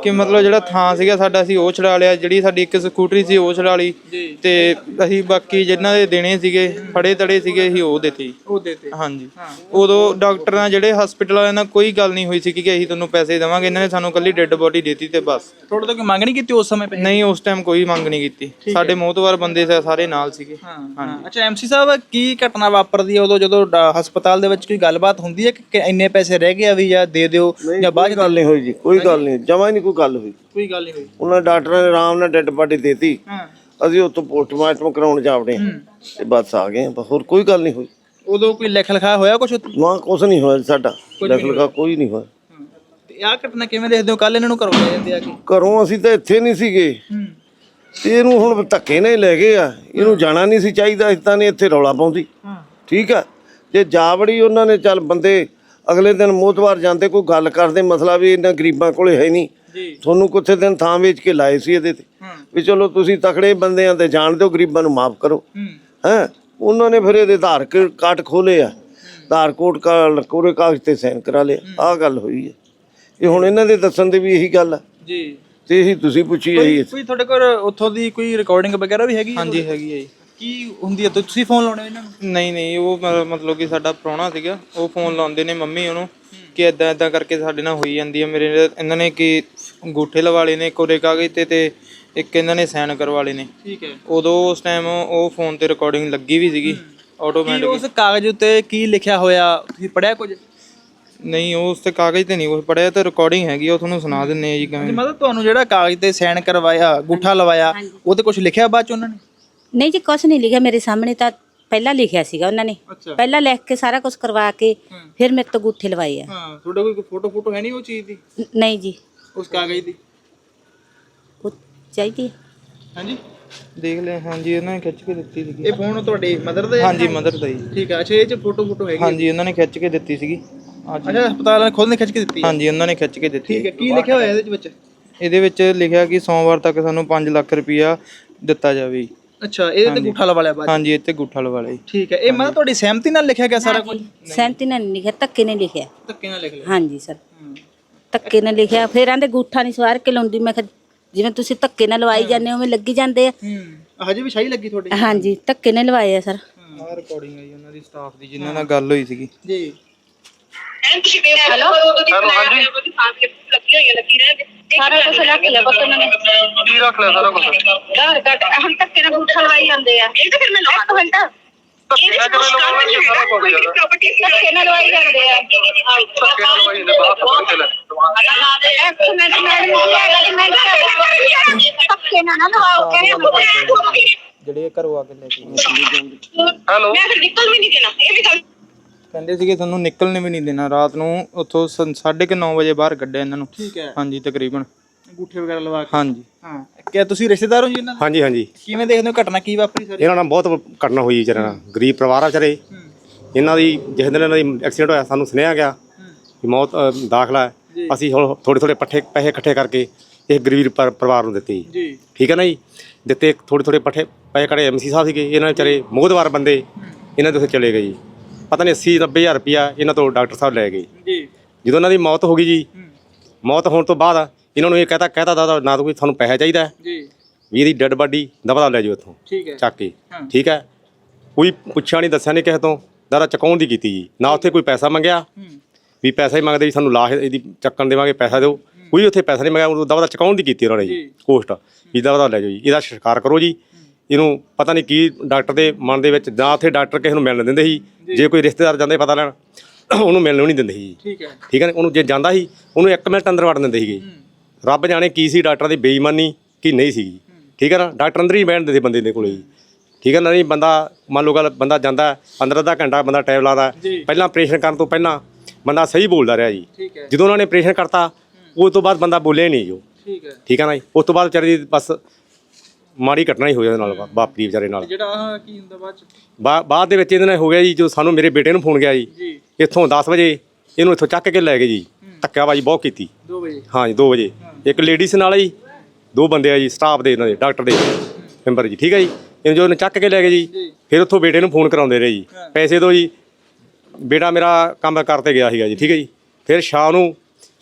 [SPEAKER 3] ਕਿ ਮਤਲਬ ਜਿਹੜਾ ਥਾਂ ਸੀਗਾ ਸਾਡਾ ਅਸੀਂ ਉਹ ਛਡਾ ਲਿਆ, ਜਿਹੜੀ ਸਾਡੀ ਇੱਕ ਸਕੂਟਰੀ ਸੀ ਉਹ ਛਡਾ ਲਈ ਤੇ ਅਸੀਂ ਬਾਕੀ ਜਿਨ੍ਹਾਂ ਦੇ ਦੇਣੇ ਸੀਗੇ ਫੜੇ ਤੜੇ ਸੀਗੇ ਅਸੀਂ ਉਹ ਦਿੱਤੇ
[SPEAKER 1] ਉਹ ਦੇਤੇ।
[SPEAKER 3] ਹਾਂਜੀ। ਉਦੋਂ ਡਾਕਟਰ ਨਾਲ ਜਿਹੜੇ ਹਸਪੀਟਲ ਵਾਲਿਆਂ ਨਾਲ ਕੋਈ ਗੱਲ ਨਹੀਂ ਹੋਈ ਸੀ ਕਿ ਅਸੀਂ ਤੁਹਾਨੂੰ ਪੈਸੇ ਦੇਵਾਂਗੇ, ਇਹਨਾਂ ਨੇ ਸਾਨੂੰ ਕੱਲੀ ਡੈੱਡ ਬੋਡੀ ਦਿੱਤੀ ਤੇ ਬਸ।
[SPEAKER 1] ਤੁਹਾਡੇ ਤੋਂ ਕੋਈ ਮੰਗ ਨਹੀਂ ਕੀਤੀ ਉਸ ਸਮੇਂ ਪੈਸੇ?
[SPEAKER 3] ਨਹੀਂ, ਉਸ ਟਾਈਮ ਕੋਈ ਮੰਗ ਨਹੀਂ ਕੀਤੀ, ਸਾਡੇ ਮੋਹਤਵਾਰ ਬੰਦੇ ਸਾਰੇ ਨਾਲ ਸੀਗੇ।
[SPEAKER 1] ਹਾਂਜੀ। ਅੱਛਾ ਐਮਸੀ ਸਾਹਿਬ, ਕੀ ਘਟਨਾ ਵਾਪਰਦੀ ਹੈ ਉਦੋਂ ਜਦੋਂ ਡਾ- ਹਸਪਤਾਲ ਦੇ ਵਿੱਚ ਕੋਈ ਗੱਲਬਾਤ ਹੁੰਦੀ ਹੈ ਕਿ ਇੰਨੇ ਪੈਸੇ ਰਹਿ ਗਏ ਆ ਵੀ ਜਾਂ ਦੇ ਦਿਓ ਜਾਂ ਬਾਅਦ ਚ?
[SPEAKER 6] ਗੱਲ ਨਹੀਂ ਹੋਈ ਜੀ, ਕੋਈ ਗੱਲ ਨਹੀਂ, ਜਮਾ ਹੀ ਨਹੀਂ ਕੋਈ ਗੱਲ ਹੋਈ।
[SPEAKER 1] ਕੋਈ ਗੱਲ ਨਹੀਂ ਹੋਈ।
[SPEAKER 6] ਉਹਨਾਂ ਡਾਕਟਰਾਂ ਨੇ ਆਰਾਮ ਨਾਲ ਡੈੱਡ ਬਾਡੀ ਦੇਤੀ,
[SPEAKER 1] ਹਾਂ।
[SPEAKER 6] ਅਸੀਂ ਉੱਥੋਂ ਪੋਸਟਮਾਰਟਮ ਕਰਾਉਣ ਜਾਵੜੇ ਤੇ ਬਸ ਆ ਗਏ, ਬਸ ਹੋਰ ਕੋਈ ਗੱਲ ਨਹੀਂ ਹੋਈ।
[SPEAKER 1] ਉਦੋਂ ਕੋਈ ਲਿਖ ਲਿਖਾ ਹੋਇਆ ਕੁਝ?
[SPEAKER 6] ਨਾ ਕੁਛ ਨਹੀਂ ਹੋਇਆ ਸਾਡਾ, ਲਿਖਲਗਾ ਕੋਈ ਨਹੀਂ ਹੋਇਆ।
[SPEAKER 1] ਤੇ ਆਹ ਘਟਨਾ ਕਿਵੇਂ ਦੇਖਦੇ ਹੋ? ਕੱਲ ਇਹਨਾਂ ਨੂੰ ਘਰੋਂ ਲੈ ਜਾਂਦੇ ਆ ਕਿ
[SPEAKER 6] ਘਰੋਂ ਅਸੀਂ ਤਾਂ ਇੱਥੇ ਨਹੀਂ ਸੀਗੇ ਤੇ ਇਹਨੂੰ ਹੁਣ ਧੱਕੇ ਨਾਲ ਹੀ ਲੈ ਗਏ ਆ। ਇਹਨੂੰ ਜਾਣਾ ਨਹੀਂ ਸੀ ਚਾਹੀਦਾ, ਇਸ ਤਾਂ ਨੇ ਇੱਥੇ ਰੌਲਾ ਪਾਉਂਦੀ। ਠੀਕ ਆ, ਜੇ ਜਾਵੜੀ ਉਹਨਾਂ ਨੇ ਚੱਲ ਬੰਦੇ ਅਗਲੇ ਦਿਨ ਮੋਤਵਾਰ ਜਾਂਦੇ, ਕੋਈ ਗੱਲ ਕਰਦੇ, ਮਸਲਾ ਵੀ ਇਹਨਾਂ ਗਰੀਬਾਂ ਕੋਲੇ ਹੈ ਨਹੀਂ, ਤੁਹਾਨੂੰ ਕੁਛ ਦਿਨ ਥਾਂ ਵੇਚ ਕੇ ਲਾਏ ਸੀ ਇਹਦੇ ਤੇ ਵੀ ਚਲੋ ਤੁਸੀਂ ਤਕੜੇ ਬੰਦੇ ਆ ਤੇ ਜਾਣ ਦਿਓ, ਗਰੀਬਾਂ ਨੂੰ ਮਾਫ ਕਰੋ। ਹੈਂ, ਉਹਨਾਂ ਨੇ ਫਿਰ ਇਹਦੇ ਆਧਾਰ ਕਾਰਡ ਖੋਲੇ ਆ, ਆਧਾਰ ਕੋਡ ਕੋਰੇ ਕਾਗਜ਼ ਤੇ ਸਾਈਨ ਕਰਾ ਲਿਆ। ਆਹ ਗੱਲ ਹੋਈ ਹੈ। ਇਹ ਹੁਣ ਇਹਨਾਂ ਦੇ ਦੱਸਣ ਦੇ ਵੀ ਇਹੀ ਗੱਲ ਆ
[SPEAKER 1] ਜੀ,
[SPEAKER 6] ਤੇ ਇਹੀ ਤੁਸੀਂ ਪੁੱਛੀ ਇਹੀ।
[SPEAKER 1] ਕੋਈ ਤੁਹਾਡੇ ਕੋਲ ਉੱਥੋਂ ਦੀ ਕੋਈ ਰਿਕਾਰਡਿੰਗ ਵਗੈਰਾ ਵੀ ਹੈਗੀ?
[SPEAKER 3] ਹਾਂਜੀ ਹੈਗੀ ਹੈ ਜੀ।
[SPEAKER 1] ਕੀ ਹੁੰਦੀ ਹੈ? ਤੁਸੀਂ ਫੋਨ ਲਾਉਣੇ ਇਹਨਾਂ ਨੂੰ?
[SPEAKER 3] ਨਹੀਂ ਨਹੀਂ, ਉਹ ਮ- ਮਤਲਬ ਕਿ ਸਾਡਾ ਪ੍ਰਾਹੁਣਾ ਸੀਗਾ, ਉਹ ਫੋਨ ਲਾਉਂਦੇ ਨੇ ਮੰਮੀ ਉਹਨੂੰ ਕਿ ਇਦਾਂ ਇਦਾਂ ਕਰਕੇ ਸਾਡੇ ਨਾਲ ਹੋਈ ਜਾਂਦੀ ਹੈ। ਮੇਰੇ ਇਹਨਾਂ ਨੇ ਕਿ ਅੰਗੂਠੇ ਲਵਾ ਲਏ ਨੇ ਕੋਰੇ ਕਾਗਜ਼ ਤੇ ਤੇ ਇੱਕ ਇਹਨਾਂ ਨੇ ਸਾਈਨ ਕਰਵਾ ਲਏ ਨੇ।
[SPEAKER 1] ਠੀਕ ਹੈ।
[SPEAKER 3] ਉਦੋਂ ਉਸ ਟਾਈਮ ਉਹ ਫੋਨ ਤੇ ਰਿਕਾਰਡਿੰਗ ਲੱਗੀ ਵੀ ਸੀਗੀ ਆਟੋਮੈਟਿਕ।
[SPEAKER 1] ਉਸ ਕਾਗਜ਼ ਉੱਤੇ ਕੀ ਲਿਖਿਆ ਹੋਇਆ ਤੁਸੀਂ ਪੜਿਆ ਕੁਝ?
[SPEAKER 3] ਨਹੀਂ, ਉਸ ਤੇ ਕਾਗਜ਼ ਤੇ ਨਹੀਂ ਕੁਛ ਪੜਿਆ, ਤੇ ਰਿਕਾਰਡਿੰਗ ਹੈਗੀ, ਉਹ ਤੁਹਾਨੂੰ ਸੁਣਾ ਦਿੰਨੇ ਆ ਜੀ ਕਿਵੇਂ।
[SPEAKER 1] ਮਤਲਬ ਤੁਹਾਨੂੰ ਜਿਹੜਾ ਕਾਗਜ਼ ਤੇ ਸਾਈਨ ਕਰਵਾਇਆ, ਅੰਗੂਠਾ ਲਵਾਇਆ, ਉਹ ਤੇ ਕੁਝ ਲਿਖਿਆ ਬਾਅਦ ਚ ਉਹਨਾਂ ਨੇ?
[SPEAKER 2] ਨਹੀਂ ਜੀ, ਕੁਛ ਨਹੀਂ ਲਿਖਿਆ ਮੇਰੇ ਸਾਹਮਣੇ, ਤਾਂ ਪਹਿਲਾਂ ਲਿਖਿਆ ਸੀਗਾ ਉਹਨਾਂ ਨੇ। ਪਹਿਲਾਂ ਲਿਖ ਕੇ ਸਾਰਾ ਕੁਝ ਕਰਵਾ ਕੇ ਫਿਰ ਮੇਰੇ ਤੋਂ ਅੰਗੂਠੇ ਲਵਾਏ ਆ।
[SPEAKER 1] ਹਾਂ। ਤੁਹਾਡੇ ਕੋਈ ਫੋਟੋ ਫੋਟੋ ਹੈ ਨਹੀਂ ਉਹ ਚੀਜ਼ ਦੀ?
[SPEAKER 2] ਨ- ਨਹੀਂ ਜੀ,
[SPEAKER 1] ਉਸ ਕਾਗਜ਼ ਦੀ?
[SPEAKER 2] ਉਹ ਚਾਹੀਦੀ ਹੈ।
[SPEAKER 1] ਹਾਂਜੀ,
[SPEAKER 3] ਦੇਖ ਲੈ। ਹਾਂਜੀ, ਉਹਨਾਂ ਨੇ ਖਿੱਚ ਕੇ ਦਿੱਤੀ ਸੀਗੀ।
[SPEAKER 1] ਇਹ ਫੋਨ ਤੁਹਾਡੇ ਮਦਰ ਦਾ ਹੈ?
[SPEAKER 3] ਹਾਂਜੀ, ਮਦਰ ਦਾ ਜੀ।
[SPEAKER 1] ਠੀਕ ਹੈ। ਅੱਛਾ, ਇਹ ਚ ਫੋਟੋ ਫੋਟੋ ਹੈਗੀ?
[SPEAKER 3] ਹਾਂਜੀ, ਉਹਨਾਂ ਨੇ ਖਿੱਚ ਕੇ ਦਿੱਤੀ ਸੀਗੀ।
[SPEAKER 1] ਅੱਛਾ, ਹਸਪਤਾਲ ਵਾਲੇ ਖੁਦ ਨੇ ਖਿੱਚ ਕੇ ਦਿੱਤੀ ਹੈ?
[SPEAKER 3] ਹਾਂਜੀ, ਉਹਨਾਂ ਨੇ ਖਿੱਚ ਕੇ ਦਿੱਤੀ।
[SPEAKER 1] ਠੀਕ ਹੈ। ਕੀ ਲਿਖਿਆ ਹੋਇਆ ਇਹਦੇ ਵਿੱਚ?
[SPEAKER 3] ਇਹਦੇ ਵਿੱਚ ਲਿਖਿਆ ਕਿ ਸੋਮਵਾਰ ਤੱਕ ਸਾਨੂੰ ਪੰਜ ਲੱਖ ਰੁਪਇਆ ਦਿੱਤਾ ਜਾਵੇ ਜੀ।
[SPEAKER 1] ਅੱਛਾ, ਇਹਦੇ ਤੇ ਅੰਗੂਠਾ ਲਵਾ ਲਿਆ ਬਾਅਦ?
[SPEAKER 3] ਹਾਂਜੀ, ਇੱਥੇ ਗੁੱਠਾ ਲਵਾ ਲਿਆ ਜੀ।
[SPEAKER 1] ਠੀਕ ਹੈ। ਇਹ ਮਤਲਬ ਤੁਹਾਡੀ ਸਹਿਮਤੀ ਨਾਲ ਲਿਖਿਆ ਗਿਆ ਸਾਰਾ ਕੁਝ?
[SPEAKER 2] ਸਹਿਮਤੀ ਨਾਲ ਨਹੀਂ ਲਿਖਿਆ, ਧੱਕੇ ਨਾਲ ਲਿਖਿਆ।
[SPEAKER 1] ਧੱਕੇ ਨਾਲ ਲਿਖ ਲਿਆ?
[SPEAKER 2] ਹਾਂਜੀ ਸਰ, ਧੱਕੇ ਨਾਲ ਲਿਖਿਆ। ਫਿਰ ਆਂਦੇ ਅੰਗੂਠਾ ਨਹੀਂ ਸਵਾਰ ਕੇ ਲਾਉਂਦੀ। ਮੈਂ ਕਿਹਾ ਜਿਵੇਂ ਤੁਸੀਂ ਧੱਕੇ ਨਾਲ ਲਵਾਈ ਜਾਂਦੇ ਹੋ ਉਵੇਂ ਲੱਗੀ ਜਾਂਦੇ ਆ।
[SPEAKER 1] ਹੂੰ। ਹਜੇ ਵੀ ਸ਼ਾਹੀ ਲੱਗੀ ਤੁਹਾਡੇ?
[SPEAKER 2] ਹਾਂਜੀ, ਧੱਕੇ ਨਾਲ ਲਵਾਏ ਆ ਸਰ।
[SPEAKER 3] ਆਹ ਰਿਕਾਰਡਿੰਗ ਹੈ ਜੀ ਉਹਨਾਂ ਦੀ ਸਟਾਫ ਦੀ, ਜਿਨ੍ਹਾਂ ਨਾਲ ਗੱਲ ਹੋਈ ਸੀਗੀ।
[SPEAKER 1] ਜੀ।
[SPEAKER 4] ਹੈਲੋ, ਹੈਲੋ, ਹਾਂਜੀ। ਲੱਗੀ ਹੋਈ ਹੈ, ਲੱਗੀ ਰਹਿ ਸਾਰਾ ਕੁਝ ਰੱਖ ਲਿਆ ਪੁੱਤ ਉਹਨਾਂ ਨੇ।
[SPEAKER 7] ਕੀ ਰੱਖ ਲਿਆ ਸਾਰਾ ਕੁਝ?
[SPEAKER 4] ਘਰ ਘਟ ਹੁਣ ਧੱਕੇ ਨਾਲ ਬੂਠਾ ਲਵਾਈ ਜਾਂਦੇ ਆ। ਇਹ ਤਾਂ ਫਿਰ ਮੈਨੂੰ ਇੱਕ ਮਿੰਟ
[SPEAKER 7] ਧੱਕੇ ਨਾਲ ਕਿਵੇਂ ਲਵਾਉਣਗੇ ਸਾਰਾ ਕੁਝ ਯਾਰ?
[SPEAKER 4] ਧੱਕੇ ਨਾਲ ਲਵਾਈ ਜਾਂਦੇ ਆ।
[SPEAKER 7] ਧੱਕੇ ਨਾਲ ਲਵਾਈ ਜਾਂਦੇ, ਬਾਹਰ ਫੜ ਕੇ ਲੈ।
[SPEAKER 4] ਇੱਕ ਮਿੰਟ ਮੈਂ ਧੱਕੇ ਨਾਲ ਨਾ ਲਵਾਓ ਕਹਿੰਦੇ
[SPEAKER 3] ਜਿਹੜੇ ਘਰੋਂ ਆ ਕੇ ਲੈ ਕੇ
[SPEAKER 7] ਹੈਲੋ,
[SPEAKER 4] ਮੈਂ ਫਿਰ ਨਿਕਲ ਵੀ ਨਹੀਂ ਦੇਣਾ। ਇਹ ਵੀ ਗੱਲ
[SPEAKER 3] ਕਹਿੰਦੇ ਸੀਗੇ ਤੁਹਾਨੂੰ ਨਿਕਲਣ ਵੀ ਨਹੀਂ ਦੇਣਾ। ਰਾਤ ਨੂੰ ਉੱਥੋਂ ਸਾਢੇ ਕੁ ਨੌ ਵਜੇ ਬਾਹਰ ਕੱਢਿਆ ਇਹਨਾਂ ਨੂੰ।
[SPEAKER 1] ਠੀਕ ਹੈ।
[SPEAKER 3] ਹਾਂਜੀ, ਤਕਰੀਬਨ।
[SPEAKER 1] ਅੰਗੂਠੇ ਵਗੈਰਾ ਲਵਾ ਕੇ?
[SPEAKER 3] ਹਾਂਜੀ।
[SPEAKER 1] ਹਾਂ। ਕਿਆ ਤੁਸੀਂ ਰਿਸ਼ਤੇਦਾਰ ਹੋ ਜੀ ਇਹਨਾਂ ਦੇ?
[SPEAKER 5] ਹਾਂਜੀ ਹਾਂਜੀ,
[SPEAKER 1] ਕਿਵੇਂ ਦੇਖਦੇ ਹੋ ਘਟਨਾ ਕੀ ਵਾਪਰੀ ਸਾਰੀ?
[SPEAKER 5] ਇਹਨਾਂ ਨਾਲ ਬਹੁਤ ਘਟਨਾ ਹੋਈ ਵਿਚਾਰਿਆਂ ਨਾਲ। ਗਰੀਬ ਪਰਿਵਾਰ ਆ ਵਿਚਾਰੇ। ਇਹਨਾਂ ਦੀ ਜਿਸ ਦਿਨ ਇਹਨਾਂ ਦੀ ਐਕਸੀਡੈਂਟ ਹੋਇਆ ਸਾਨੂੰ ਸੁਣਿਆ ਗਿਆ ਕਿ ਮੌਤ ਅ, ਦਾਖਲਾ ਹੈ। ਅਸੀਂ ਹੁਣ ਥੋੜੇ ਥੋੜੇ ਪੱਠੇ ਪੈਸੇ ਇਕੱਠੇ ਕਰਕੇ ਇਹ ਗਰੀਬ ਪਰ- ਪਰਿਵਾਰ ਨੂੰ ਦਿੱਤੇ ਜੀ।
[SPEAKER 1] ਜੀ।
[SPEAKER 5] ਠੀਕ ਹੈ ਨਾ ਜੀ। ਦਿੱਤੇ ਥੋੜੇ ਥੋੜੇ ਪੱਠੇ ਪੈਸੇ ਕੜੇ ਐਮਸੀ ਸਾਹਿਬ ਸੀਗੇ, ਇਹਨਾਂ ਵਿਚਾਰੇ ਮੋਹਦਵਾਰ ਬੰਦੇ, ਇਹਨਾਂ ਦੇ ਉੱਥੇ ਚਲੇ ਗਏ ਜੀ। ਪਤਾ ਨਹੀਂ ਅੱਸੀ ਨੱਬੇ ਹਜ਼ਾਰ ਰੁਪਇਆ ਇਹਨਾਂ ਤੋਂ ਡਾਕਟਰ ਸਾਹਿਬ ਲੈ ਗਏ।
[SPEAKER 1] ਜੀ।
[SPEAKER 5] ਜਦੋਂ ਇਹਨਾਂ ਦੀ ਮੌਤ ਹੋ ਗਈ ਜੀ, ਮੌਤ ਹੋਣ ਤੋਂ ਬਾਅਦ ਇਹਨਾਂ ਨੂੰ ਇਹ ਕਹਤਾ ਕਹਿਤਾ ਦਾਦਾ ਨਾ ਤਾਂ ਕੋਈ ਤੁਹਾਨੂੰ ਪੈਸਾ ਚਾਹੀਦਾ
[SPEAKER 1] ਜੀ।
[SPEAKER 5] ਵੀ ਇਹਦੀ ਡੈੱਡ ਬਾਡੀ ਦਬਾ ਲੈ ਜਾਓ ਇੱਥੋਂ
[SPEAKER 1] ਠੀਕ ਹੈ।
[SPEAKER 5] ਚੱਕ ਕੇ। ਠੀਕ ਹੈ। ਕੋਈ ਪੁੱਛਿਆ ਨਹੀਂ, ਦੱਸਿਆ ਨਹੀਂ ਕਿਸੇ ਤੋਂ, ਦਾਦਾ ਚੁਕਾਉਣ ਦੀ ਕੀਤੀ ਜੀ। ਨਾ ਉੱਥੇ ਕੋਈ ਪੈਸਾ ਮੰਗਿਆ ਵੀ ਪੈਸਾ ਹੀ ਮੰਗਦੇ ਵੀ ਸਾਨੂੰ ਲਾਸ਼ ਇਹਦੀ ਚੱਕਣ ਦੇਵਾਂਗੇ, ਪੈਸਾ ਦਿਓ। ਕੋਈ ਉੱਥੇ ਪੈਸਾ ਨਹੀਂ ਮੰਗਿਆ, ਉਹ ਦਬਾ ਚੁਕਾਉਣ ਦੀ ਕੀਤੀ ਉਹਨਾਂ ਨੇ ਜੀ ਕੋਸਟ ਵੀ ਦਬਾ ਲੈ ਜਾਓ ਜੀ, ਇਹਦਾ ਸੰਸਕਾਰ ਕਰੋ ਜੀ। ਇਹਨੂੰ ਪਤਾ ਨਹੀਂ ਕੀ ਡਾਕਟਰ ਦੇ ਮਨ ਦੇ ਵਿੱਚ, ਜਾਂ ਉੱਥੇ ਡਾਕਟਰ ਕਿਸੇ ਨੂੰ ਮਿਲਣ ਦਿੰਦੇ ਸੀ, ਜੇ ਕੋਈ ਰਿਸ਼ਤੇਦਾਰ ਜਾਂਦੇ ਪਤਾ ਲੈਣ ਉਹਨੂੰ ਮਿਲਣ ਨਹੀਂ ਦਿੰਦੇ ਸੀ।
[SPEAKER 1] ਠੀਕ ਹੈ।
[SPEAKER 5] ਠੀਕ ਹੈ। ਉਹਨੂੰ ਜੇ ਜਾਂਦਾ ਸੀ ਉਹਨੂੰ ਇੱਕ ਮਿੰਟ ਅੰਦਰ ਵੜਨ ਦਿੰਦੇ ਸੀਗੇ। ਰੱਬ ਜਾਣੇ ਕੀ ਸੀ ਡਾਕਟਰਾਂ ਦੀ ਬੇਈਮਾਨੀ ਕੀ ਨਹੀਂ ਸੀਗੀ। ਠੀਕ ਹੈ ਨਾ। ਡਾਕਟਰ ਅੰਦਰ ਹੀ ਬੈਠਦੇ ਸੀ ਬੰਦੇ ਦੇ ਕੋਲੇ ਜੀ। ਠੀਕ ਹੈ ਨਾ। ਨਹੀਂ ਬੰਦਾ ਮੰਨ ਲਓ ਗੱਲ, ਬੰਦਾ ਜਾਂਦਾ ਅੰਦਰ ਅੱਧਾ ਘੰਟਾ ਬੰਦਾ ਟਾਈਮ ਲਾਦਾ। ਪਹਿਲਾਂ ਆਪਰੇਸ਼ਨ ਕਰਨ ਤੋਂ ਪਹਿਲਾਂ ਬੰਦਾ ਸਹੀ ਬੋਲਦਾ ਰਿਹਾ ਜੀ। ਜਦੋਂ ਉਹਨਾਂ ਨੇ ਆਪਰੇਸ਼ਨ ਕਰਤਾ ਉਸ ਤੋਂ ਬਾਅਦ ਬੰਦਾ ਬੋਲਿਆ ਨਹੀਂ ਜੋ।
[SPEAKER 1] ਠੀਕ ਹੈ।
[SPEAKER 5] ਠੀਕ ਹੈ ਨਾ ਜੀ। ਉਸ ਤੋਂ ਬਾਅਦ ਵਿਚਾਰੇ ਦੀ ਬਸ ਮਾੜੀ ਘਟਨਾ ਹੀ ਹੋਈ ਉਹਦੇ ਨਾਲ, ਵਾਪਰੀ ਵਿਚਾਰੇ ਨਾਲ।
[SPEAKER 1] ਜਿਹੜਾ ਆਹ ਕੀ ਹੁੰਦਾ ਬਾਅਦ ਚ?
[SPEAKER 5] ਬਾ ਬਾਅਦ ਦੇ ਵਿੱਚ ਇਹਦੇ ਨਾਲ ਹੋ ਗਿਆ ਜੀ, ਜੋ ਸਾਨੂੰ ਮੇਰੇ ਬੇਟੇ ਨੂੰ ਫੋਨ ਗਿਆ ਜੀ, ਇੱਥੋਂ ਦਸ ਵਜੇ ਇਹਨੂੰ ਇੱਥੋਂ ਚੱਕ ਕੇ ਲੈ ਗਏ ਜੀ। ਧੱਕਾਬਾਜੀ ਬਹੁਤ ਕੀਤੀ।
[SPEAKER 1] ਦੋ ਵਜੇ?
[SPEAKER 5] ਹਾਂ ਜੀ, ਦੋ ਵਜੇ। ਇੱਕ ਲੇਡੀਜ਼ ਨਾਲ ਜੀ, ਦੋ ਬੰਦੇ ਆ ਜੀ ਸਟਾਫ ਦੇ, ਇਹਨਾਂ ਦੇ ਡਾਕਟਰ ਦੇ ਮੈਂਬਰ ਜੀ। ਠੀਕ ਹੈ ਜੀ। ਇਹਨੂੰ ਜੋ ਇਹਨੂੰ ਚੱਕ ਕੇ ਲੈ ਗਏ ਜੀ, ਫਿਰ ਉੱਥੋਂ ਬੇਟੇ ਨੂੰ ਫੋਨ ਕਰਾਉਂਦੇ ਰਹੇ ਜੀ, ਪੈਸੇ ਦਿਓ ਜੀ। ਬੇਟਾ ਮੇਰਾ ਕੰਮ ਕਰਤੇ ਗਿਆ ਸੀਗਾ ਜੀ। ਠੀਕ ਹੈ ਜੀ। ਫਿਰ ਸ਼ਾਮ ਨੂੰ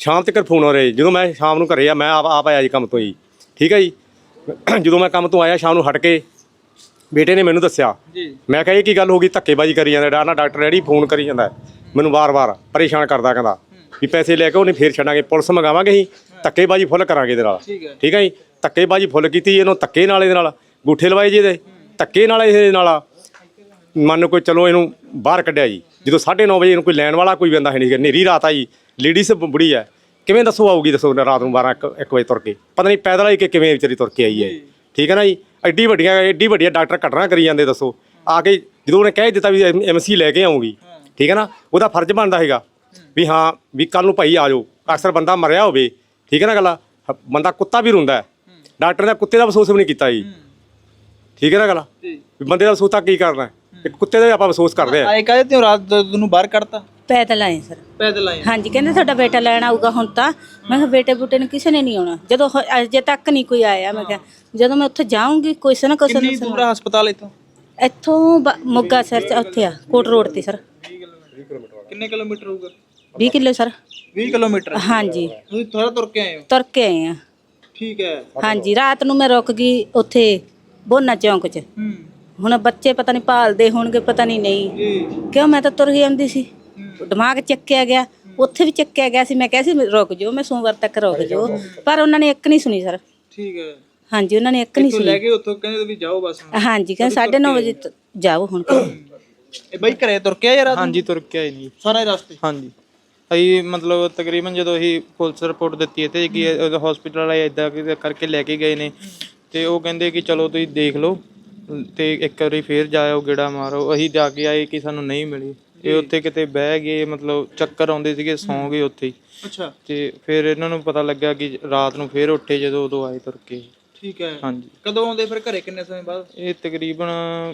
[SPEAKER 5] ਸ਼ਾਮ ਤੱਕ ਫੋਨ ਹੋ ਰਿਹਾ। ਜਦੋਂ ਮੈਂ ਸ਼ਾਮ ਨੂੰ ਘਰੇ ਆ, ਮੈਂ ਆਪ ਆਪ ਆਇਆ ਜੀ ਕੰਮ ਤੋਂ ਜੀ, ਠੀਕ ਹੈ ਜੀ। ਜਦੋਂ ਮੈਂ ਕੰਮ ਤੋਂ ਆਇਆ ਸ਼ਾਮ ਨੂੰ ਹਟ ਕੇ ਬੇਟੇ ਨੇ ਮੈਨੂੰ ਦੱਸਿਆ, ਮੈਂ ਕਿਹਾ ਇਹ ਕੀ ਗੱਲ ਹੋ ਗਈ, ਧੱਕੇਬਾਜ਼ੀ ਕਰੀ ਜਾਂਦਾ ਨਾ, ਡਾਕਟਰ ਰੈਡੀ ਫੋਨ ਕਰੀ ਜਾਂਦਾ ਮੈਨੂੰ ਵਾਰ-ਵਾਰ ਪਰੇਸ਼ਾਨ ਕਰਦਾ, ਕਹਿੰਦਾ ਵੀ ਪੈਸੇ ਲੈ ਕੇ ਉਹਨੇ ਫੇਰ ਛੱਡਾਂਗੇ, ਪੁਲਿਸ ਮੰਗਾਵਾਂਗੇ ਅਸੀਂ, ਧੱਕੇਬਾਜ਼ੀ ਫੁੱਲ ਕਰਾਂਗੇ ਇਹਦੇ ਨਾਲ, ਠੀਕ ਹੈ ਜੀ। ਧੱਕੇਬਾਜ਼ੀ ਫੁੱਲ ਕੀਤੀ, ਇਹਨੂੰ ਧੱਕੇ ਨਾਲ ਇਹਦੇ ਨਾਲ ਗੂਠੇ ਲਵਾਏ ਜੀ, ਇਹਦੇ ਧੱਕੇ ਨਾਲ ਇਹਦੇ ਨਾਲ ਮੰਨ ਕੋਈ ਚਲੋ ਇਹਨੂੰ ਬਾਹਰ ਕੱਢਿਆ ਜੀ। ਜਦੋਂ ਸਾਢੇ ਨੌ ਵਜੇ ਇਹਨੂੰ ਕੋਈ ਲੈਣ ਵਾਲਾ ਕੋਈ ਬੰਦਾ ਹੈ ਨਹੀਂ, ਹਨੇਰੀ ਰਾਤ ਆ ਜੀ, ਲੇਡੀਜ਼ ਬੁੜੀ ਹੈ, ਕਿਵੇਂ ਦੱਸੋ ਆਊਗੀ, ਦੱਸੋ ਰਾਤ ਨੂੰ ਬਾਰਾਂ ਇੱਕ ਵਜੇ ਤੁਰ ਕੇ, ਪਤਾ ਨਹੀਂ ਪੈਦਲ ਆਈ ਕਿ ਕਿਵੇਂ ਵਿਚਾਰੀ ਤੁਰ ਕੇ ਆਈ ਹੈ, ਠੀਕ ਹੈ ਨਾ ਜੀ। ਐਡੀ ਵੱਡੀਆਂ ਐਡੀ ਵੱਡੀਆਂ ਡਾਕਟਰ ਘਟਨਾ ਕਰੀ ਜਾਂਦੇ, ਦੱਸੋ ਆ ਕੇ ਜਦੋਂ ਉਹਨੇ ਕਹਿ ਦਿੱਤਾ ਵੀ ਐਮ ਸੀ ਲੈ ਕੇ ਆਉਂਗੀ, ਠੀਕ ਹੈ ਨਾ, ਉਹਦਾ ਫਰਜ਼ ਬਣਦਾ ਹੈਗਾ ਵੀ ਹਾਂ ਵੀ ਕੱਲ ਨੂੰ ਭਾਈ ਆ ਜਾਓ। ਅਕਸਰ ਬੰਦਾ ਮਰਿਆ ਹੋਵੇ, ਠੀਕ ਹੈ ਨਾ ਗੱਲ, ਬੰਦਾ ਕੁੱਤਾ ਵੀ ਰੋਂਦਾ ਹੈ, ਡਾਕਟਰ ਨੇ ਕੁੱਤੇ ਦਾ ਅਫਸੋਸ ਵੀ ਨਹੀਂ ਕੀਤਾ ਜੀ, ਠੀਕ ਹੈ ਨਾ ਗੱਲ, ਵੀ ਬੰਦੇ ਦਾ ਅਫਸੋਸ ਤਾਂ ਕੀ ਕਰਨਾ, ਇੱਕ ਕੁੱਤੇ ਦਾ ਆਪਾਂ ਅਫਸੋਸ ਕਰਦੇ ਆ।
[SPEAKER 1] ਆਏ ਕਾਹਦੇ ਤੇ ਰਾਤ ਨੂੰ ਬਾਹਰ ਕੱਢਤਾ?
[SPEAKER 2] ਪੈਦਲ ਆਏ ਸਰ,
[SPEAKER 1] ਪੈਦਲ ਆਏ?
[SPEAKER 2] ਹਾਂਜੀ, ਕਹਿੰਦੇ ਤੁਹਾਡਾ ਬੇਟਾ ਲੈਣ ਆਊਗਾ ਹੁਣ ਤਾਂ। ਮੈਂ ਕਿਹਾ ਬੇਟੇ ਬੂਟੇ ਨੂੰ ਕਿਸੇ ਨੇ ਨਹੀਂ ਆਉਣਾ, ਜਦੋਂ ਹ- ਅਜੇ ਤੱਕ ਨਹੀਂ ਕੋਈ ਆਇਆ। ਮੈਂ ਕਿਹਾ ਜਦੋਂ ਮੈਂ ਉੱਥੇ ਜਾਊਂਗੀ ਕੋਈ ਨਾ ਕੋਈ
[SPEAKER 1] ਕਿੰਨੀ ਦੂਰ ਆ ਹਸਪਤਾਲ ਇੱਥੋਂ?
[SPEAKER 2] ਇੱਥੋਂ ਬ- ਮੋਗਾ ਸ਼ਹਿਰ ਚ ਉੱਥੇ ਆ ਕੋਟ ਰੋਡ ਤੇ ਸਰ।
[SPEAKER 1] ਕਿੰਨੇ ਕਿਲੋਮੀਟਰ ਹੋਊਗਾ?
[SPEAKER 2] ਵੀਹ ਕਿਲੋ ਸਰ।
[SPEAKER 1] ਵੀਹ ਕਿਲੋਮੀਟਰ?
[SPEAKER 2] ਹਾਂਜੀ,
[SPEAKER 1] ਤੁਸੀਂ ਥੋੜਾ ਤੁਰ ਕੇ ਆਏ ਹੋ?
[SPEAKER 2] ਤੁਰ ਕੇ ਆਏ ਆ।
[SPEAKER 1] ਠੀਕ ਹੈ।
[SPEAKER 2] ਹਾਂਜੀ, ਰਾਤ ਨੂੰ ਮੈਂ ਰੁਕ ਗਈ ਉੱਥੇ ਬੋਨਾ ਚੌਂਕ 'ਚ।
[SPEAKER 1] ਹੂੰ
[SPEAKER 2] ਹੁਣ ਬੱਚੇ ਪਤਾ ਨਹੀਂ ਭਾਲਦੇ ਹੋਣਗੇ, ਪਤਾ ਨਹੀਂ ਨਹੀਂ
[SPEAKER 1] ਜੀ।
[SPEAKER 2] ਕਿਉਂ, ਮੈਂ ਤਾਂ ਤੁਰ ਹੀ ਆਉਂਦੀ ਸੀ, ਦਿਮਾਗ ਚੱਕਿਆ ਗਿਆ, ਉੱਥੇ ਵੀ ਚੱਕਿਆ ਗਿਆ ਸੀ। ਮੈਂ ਕਿਹਾ ਸੀ ਰੁਕ ਜਾਓ, ਮੈਂ ਸੋਮਵਾਰ ਤੱਕ ਰੁਕ ਜਾਓ, ਪਰ ਉਹਨਾਂ ਨੇ ਇੱਕ ਨਹੀਂ ਸੁਣੀ ਸਰ।
[SPEAKER 1] ਠੀਕ ਹੈ।
[SPEAKER 2] ਹਾਂਜੀ, ਉਹਨਾਂ ਨੇ ਇੱਕ ਨਹੀਂ
[SPEAKER 1] ਲੈ
[SPEAKER 2] ਸੁਣੀ।
[SPEAKER 1] ਕੇ ਉੱਥੋਂ ਕਹਿੰਦੇ ਵੀ ਜਾਓ ਬਸ।
[SPEAKER 2] ਹਾਂਜੀ, ਕਹਿੰਦੇ ਸਾਢੇ ਨੌ ਵਜੇ ਤ- ਜਾਓ ਹੁਣ।
[SPEAKER 1] ਇਹ ਬਾਈ ਘਰੇ ਤੁਰ ਕੇ ਆਏ ਯਾਰ?
[SPEAKER 3] ਹਾਂਜੀ ਤੁਰ ਕੇ ਆਏ ਨਹੀਂ
[SPEAKER 1] ਸਾਰੇ ਰਸਤੇ?
[SPEAKER 3] ਹਾਂਜੀ, ਅਸੀਂ ਮਤਲਬ ਤਕਰੀਬਨ ਜਦੋਂ ਅਸੀਂ ਪੁਲਿਸ ਰਿਪੋਰਟ ਦਿੱਤੀ ਇੱਥੇ ਕਿ ਹਸਪੀਟਲ ਵਾਲੇ ਇੱਦਾਂ ਕਰਕੇ ਲੈ ਕੇ ਗਏ ਨੇ, ਤੇ ਉਹ ਕਹਿੰਦੇ ਕਿ ਚਲੋ ਤੁਸੀਂ ਦੇਖ ਲਓ ਤੇ ਇੱਕ ਵਾਰੀ ਫੇਰ ਜਾਇਓ, ਗੇੜਾ ਮਾਰੋ। ਅਸੀਂ ਜਾ ਕੇ ਆਏ ਕਿ ਸਾਨੂੰ ਨਹੀਂ ਮਿਲੀ। ਇਹ ਉੱਥੇ ਕਿਤੇ ਬਹਿ ਗਏ, ਮਤਲਬ ਚੱਕਰ ਆਉਂਦੇ ਸੀਗੇ, ਸੌਂ ਗਏ ਉੱਥੇ ਹੀ।
[SPEAKER 1] ਅੱਛਾ।
[SPEAKER 3] ਤੇ ਫਿਰ ਇਹਨਾਂ ਨੂੰ ਪਤਾ ਲੱਗਾ ਕਿ ਰਾਤ ਨੂੰ ਫੇਰ ਉੱਠੇ, ਜਦੋਂ ਉਦੋਂ ਆਏ ਤੁਰ ਕੇ।
[SPEAKER 1] ਠੀਕ ਹੈ।
[SPEAKER 3] ਹਾਂਜੀ।
[SPEAKER 1] ਕਦੋਂ ਆਉਂਦੇ ਫਿਰ ਘਰੇ, ਕਿੰਨੇ ਸਮੇਂ ਬਾਅਦ?
[SPEAKER 3] ਇਹ ਤਕਰੀਬਨ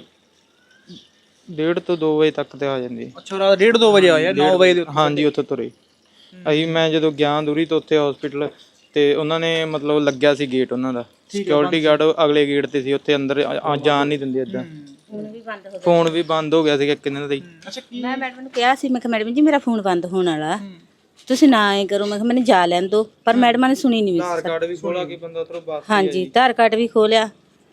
[SPEAKER 3] ਡੇਢ ਤੋਂ ਦੋ ਵਜੇ ਤੱਕ ਤੇ ਆ ਜਾਂਦੇ।
[SPEAKER 1] ਅੱਛਾ, ਰਾਤ ਡੇਢ ਦੋ ਵਜੇ ਆਇਆ? ਨੌ ਵਜੇ ਦੇ ਉੱਤੇ?
[SPEAKER 3] ਹਾਂਜੀ, ਉੱਥੇ ਤੁਰੇ ਅਸੀਂ। ਮੈਂ ਜਦੋਂ ਗਿਆ ਦੂਰੀ ਤੋਂ ਉੱਥੇ ਹਸਪੀਟਲ, ਤੇ ਉਹਨਾਂ ਨੇ ਮਤਲਬ ਲੱਗਿਆ ਸੀ ਗੇਟ ਉਹਨਾਂ ਦਾ, ਸਿਕਿਉਰਿਟੀ ਗਾਰਡ ਅਗਲੇ ਗੇਟ ਤੇ ਸੀ, ਉੱਥੇ ਅੰਦਰ ਆ- ਜਾਣ ਨਹੀਂ ਦਿੰਦੇ ਏਦਾਂ। ਫੋਨ ਵੀ ਬੰਦ ਹੋ ਗਿਆ ਸੀਗਾ ਕਿੰਨੇ ਦਾ ਹੀ।
[SPEAKER 1] ਅੱਛਾ। ਕੀ?
[SPEAKER 2] ਮੈਂ ਮੈਡਮ ਨੂੰ ਕਿਹਾ ਸੀ, ਮੈਂ ਕਿਹਾ ਮੈਡਮ ਜੀ ਮੇਰਾ ਫੋਨ ਬੰਦ ਹੋਣ ਵਾਲਾ, ਤੁਸੀਂ ਨਾ ਐ ਕਰੋ। ਮੈਂ ਕਿਹਾ ਮੈਨੂੰ ਜਾ ਲੈਣ ਦਿਓ, ਪਰ ਮੈਡਮਾਂ ਨੇ ਸੁਣੀ ਨਹੀਂ।
[SPEAKER 3] ਆਧਾਰ ਕਾਰਡ ਵੀ ਖੋਲਾ ਕਿ ਬੰਦਾ ਉੱਧਰੋਂ ਬਾਹਰ।
[SPEAKER 2] ਹਾਂਜੀ, ਆਧਾਰ ਕਾਰਡ ਵੀ ਖੋਲਿਆ,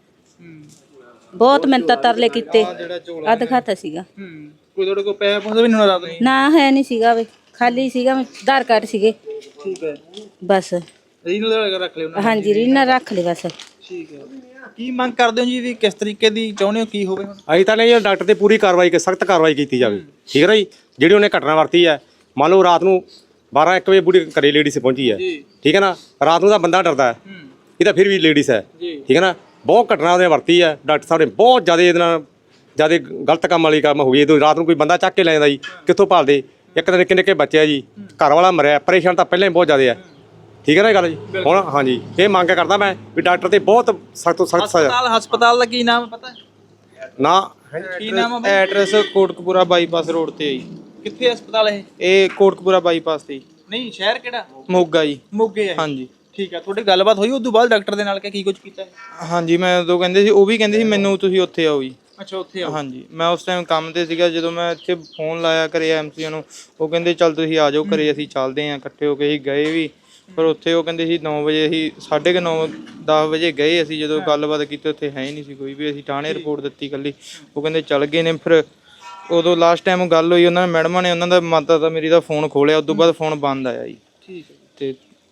[SPEAKER 2] ਬਹੁਤ ਮਿੰਨਤਾਂ ਤਰਲੇ ਕੀਤੇ, ਆ ਦਿਖਾਤਾ ਸੀਗਾ।
[SPEAKER 1] ਹੂੰ ਕੋਈ ਤੁਹਾਡੇ ਕੋਲ ਪੈਸੇ ਪਹੁੰਚਦੇ ਵੀ ਨਹੀਂ ਹੋਣਾ ਰਾਤ ਨੂੰ?
[SPEAKER 2] ਨਾ ਹੈ ਨਹੀਂ ਸੀਗਾ ਵੇ, ਖਾਲੀ ਸੀਗਾ, ਆਧਾਰ ਕਾਰਡ ਸੀਗੇ
[SPEAKER 1] ਠੀਕ ਹੈ।
[SPEAKER 2] ਬਸ।
[SPEAKER 1] ਰੀਨਲ ਰੱਖ ਲਿਓ ਨਾ?
[SPEAKER 2] ਹਾਂਜੀ, ਰੀਨਾ ਰੱਖ ਲਈ ਬਸ।
[SPEAKER 1] ਠੀਕ ਹੈ। ਕੀ ਮੰਗ ਕਰਦੇ ਹੋ ਜੀ, ਵੀ ਕਿਸ ਤਰੀਕੇ ਦੀ ਚਾਹੁੰਦੇ ਹੋ ਕੀ ਹੋਵੇ ਹੁਣ?
[SPEAKER 5] ਅਸੀਂ ਤਾਂ ਨਹੀਂ, ਡਾਕਟਰ ਤੇ ਪੂਰੀ ਕਾਰਵਾਈ ਕਰ, ਸਖਤ ਕਾਰਵਾਈ ਕੀਤੀ ਜਾਵੇ, ਠੀਕ ਹੈ ਨਾ ਜੀ। ਜਿਹੜੀ ਉਹਨੇ ਘਟਨਾ ਵਰਤੀ ਹੈ, ਮੰਨ ਲਓ ਰਾਤ ਨੂੰ ਬਾਰਾਂ ਇੱਕ ਵਜੇ ਬੁੜੀ ਘਰੇ ਲੇਡੀਜ਼ ਪਹੁੰਚੀ ਹੈ, ਠੀਕ ਹੈ ਨਾ, ਰਾਤ ਨੂੰ ਤਾਂ ਬੰਦਾ ਡਰਦਾ ਹੈ, ਇਹ ਤਾਂ ਫਿਰ ਵੀ ਲੇਡੀਜ਼ ਹੈ, ਠੀਕ ਹੈ ਨਾ। ਬਹੁਤ ਘਟਨਾ ਉਹਨੇ ਵਰਤੀ ਹੈ, ਡਾਕਟਰ ਸਾਹਿਬ ਨੇ ਬਹੁਤ ਜ਼ਿਆਦਾ ਇਹਦੇ ਨਾਲ ਜ਼ਿਆਦਾ ਗਲਤ ਕੰਮ ਵਾਲੀ ਕੰਮ ਹੋਈ। ਇਹ ਰਾਤ ਨੂੰ ਕੋਈ ਬੰਦਾ ਚੱਕ ਕੇ ਲੈ ਜਾਂਦਾ ਜੀ, ਕਿੱਥੋਂ ਭਾਲਦੇ। ਇੱਕ ਤਾਂ ਨਿੱਕੇ ਨਿੱਕੇ ਬੱਚੇ ਆ ਜੀ, ਘਰ ਵਾਲਾ ਮਰਿਆ, ਪਰੇਸ਼ਾਨ ਤਾਂ ਪਹਿਲਾਂ ਹੀ ਬਹੁਤ ਜ਼ਿਆਦਾ ਹੈ, ਠੀਕ ਹੈ ਨਾ ਇਹ ਗੱਲ ਜੀ। ਹੁਣ ਹਾਂਜੀ, ਇਹ ਮੰਗ ਕਰਦਾ ਮੈਂ ਵੀ ਡਾਕਟਰ ਤੇ ਬਹੁਤ ਸਖਤ ਤੋਂ ਸਖਤ ਸਜ਼ਾ।
[SPEAKER 1] ਹਸਪਤਾਲ ਹਸਪਤਾਲ ਦਾ ਕੀ ਨਾਮ ਪਤਾ ਹੈ?
[SPEAKER 5] ਨਾ
[SPEAKER 1] ਕੀ ਨਾਮ ਹੈ ਬਾਈ?
[SPEAKER 3] ਐਡਰੈਸ ਕੋਟਕਪੂਰਾ ਬਾਈਪਾਸ ਰੋਡ ਤੇ ਹੈ ਜੀ।
[SPEAKER 1] ਕਿੱਥੇ ਹਸਪਤਾਲ ਇਹ?
[SPEAKER 3] ਇਹ ਕੋਟਕਪੂਰਾ ਬਾਈਪਾਸ ਤੇ ਜੀ।
[SPEAKER 1] ਨਹੀਂ, ਸ਼ਹਿਰ ਕਿਹੜਾ?
[SPEAKER 3] ਮੋਗਾ ਜੀ।
[SPEAKER 1] ਮੋਗੇ ਹੈ?
[SPEAKER 3] ਹਾਂਜੀ।
[SPEAKER 1] ਠੀਕ ਹੈ। ਤੁਹਾਡੀ ਗੱਲਬਾਤ ਹੋਈ ਉਸ ਤੋਂ ਬਾਅਦ ਡਾਕਟਰ ਦੇ ਨਾਲ ਕਿ ਕੀ ਕੁਝ ਕੀਤਾ ਹੈ?
[SPEAKER 3] ਹਾਂਜੀ, ਮੈਂ ਉਦੋਂ ਕਹਿੰਦੇ ਸੀ, ਉਹ ਵੀ ਕਹਿੰਦੇ ਸੀ ਮੈਨੂੰ ਤੁਸੀਂ ਉੱਥੇ ਆਓ ਜੀ।
[SPEAKER 1] ਅੱਛਾ, ਉੱਥੇ ਆਓ।
[SPEAKER 3] ਹਾਂਜੀ, ਮੈਂ ਉਸ ਟਾਈਮ ਕੰਮ ਤੇ ਸੀਗਾ। ਜਦੋਂ ਮੈਂ ਇੱਥੇ ਫੋਨ ਲਾਇਆ ਕਰੇ ਐਮਸੀ ਨੂੰ, ਉਹ ਕਹਿੰਦੇ ਚੱਲ ਤੁਸੀਂ ਆ ਜਾਓ ਘਰੇ, ਅਸੀਂ ਚੱਲਦੇ ਹਾਂ ਇਕੱਠੇ ਹੋ ਕੇ। ਅਸੀਂ ਗਏ ਵੀ, ਪਰ ਉੱਥੇ ਉਹ ਕਹਿੰਦੇ ਸੀ ਨੌ ਵਜੇ, ਅਸੀਂ ਸਾਢੇ ਕੁ ਨੌ ਦਸ ਵਜੇ ਗਏ। ਅਸੀਂ ਜਦੋਂ ਗੱਲਬਾਤ ਕੀਤੀ ਉੱਥੇ ਹੈ ਹੀ ਨਹੀਂ ਸੀ ਕੋਈ ਵੀ। ਅਸੀਂ ਥਾਣੇ ਰਿਪੋਰਟ ਦਿੱਤੀ ਇਕੱਲੀ, ਉਹ ਕਹਿੰਦੇ ਚੱਲ ਗਏ ਨੇ। ਫਿਰ ਉਦੋਂ ਲਾਸਟ ਟਾਈਮ ਗੱਲ ਹੋਈ ਉਹਨਾਂ ਨੇ, ਮੈਡਮਾਂ ਨੇ, ਉਹਨਾਂ ਦਾ ਮਾਤਾ ਦਾ ਮੇਰੀ ਦਾ ਫੋਨ ਖੋਲਿਆ, ਉਦੋਂ ਬਾਅਦ ਫੋਨ ਬੰਦ ਆਇਆ ਜੀ।
[SPEAKER 1] ਠੀਕ ਹੈ।
[SPEAKER 3] ਤੇ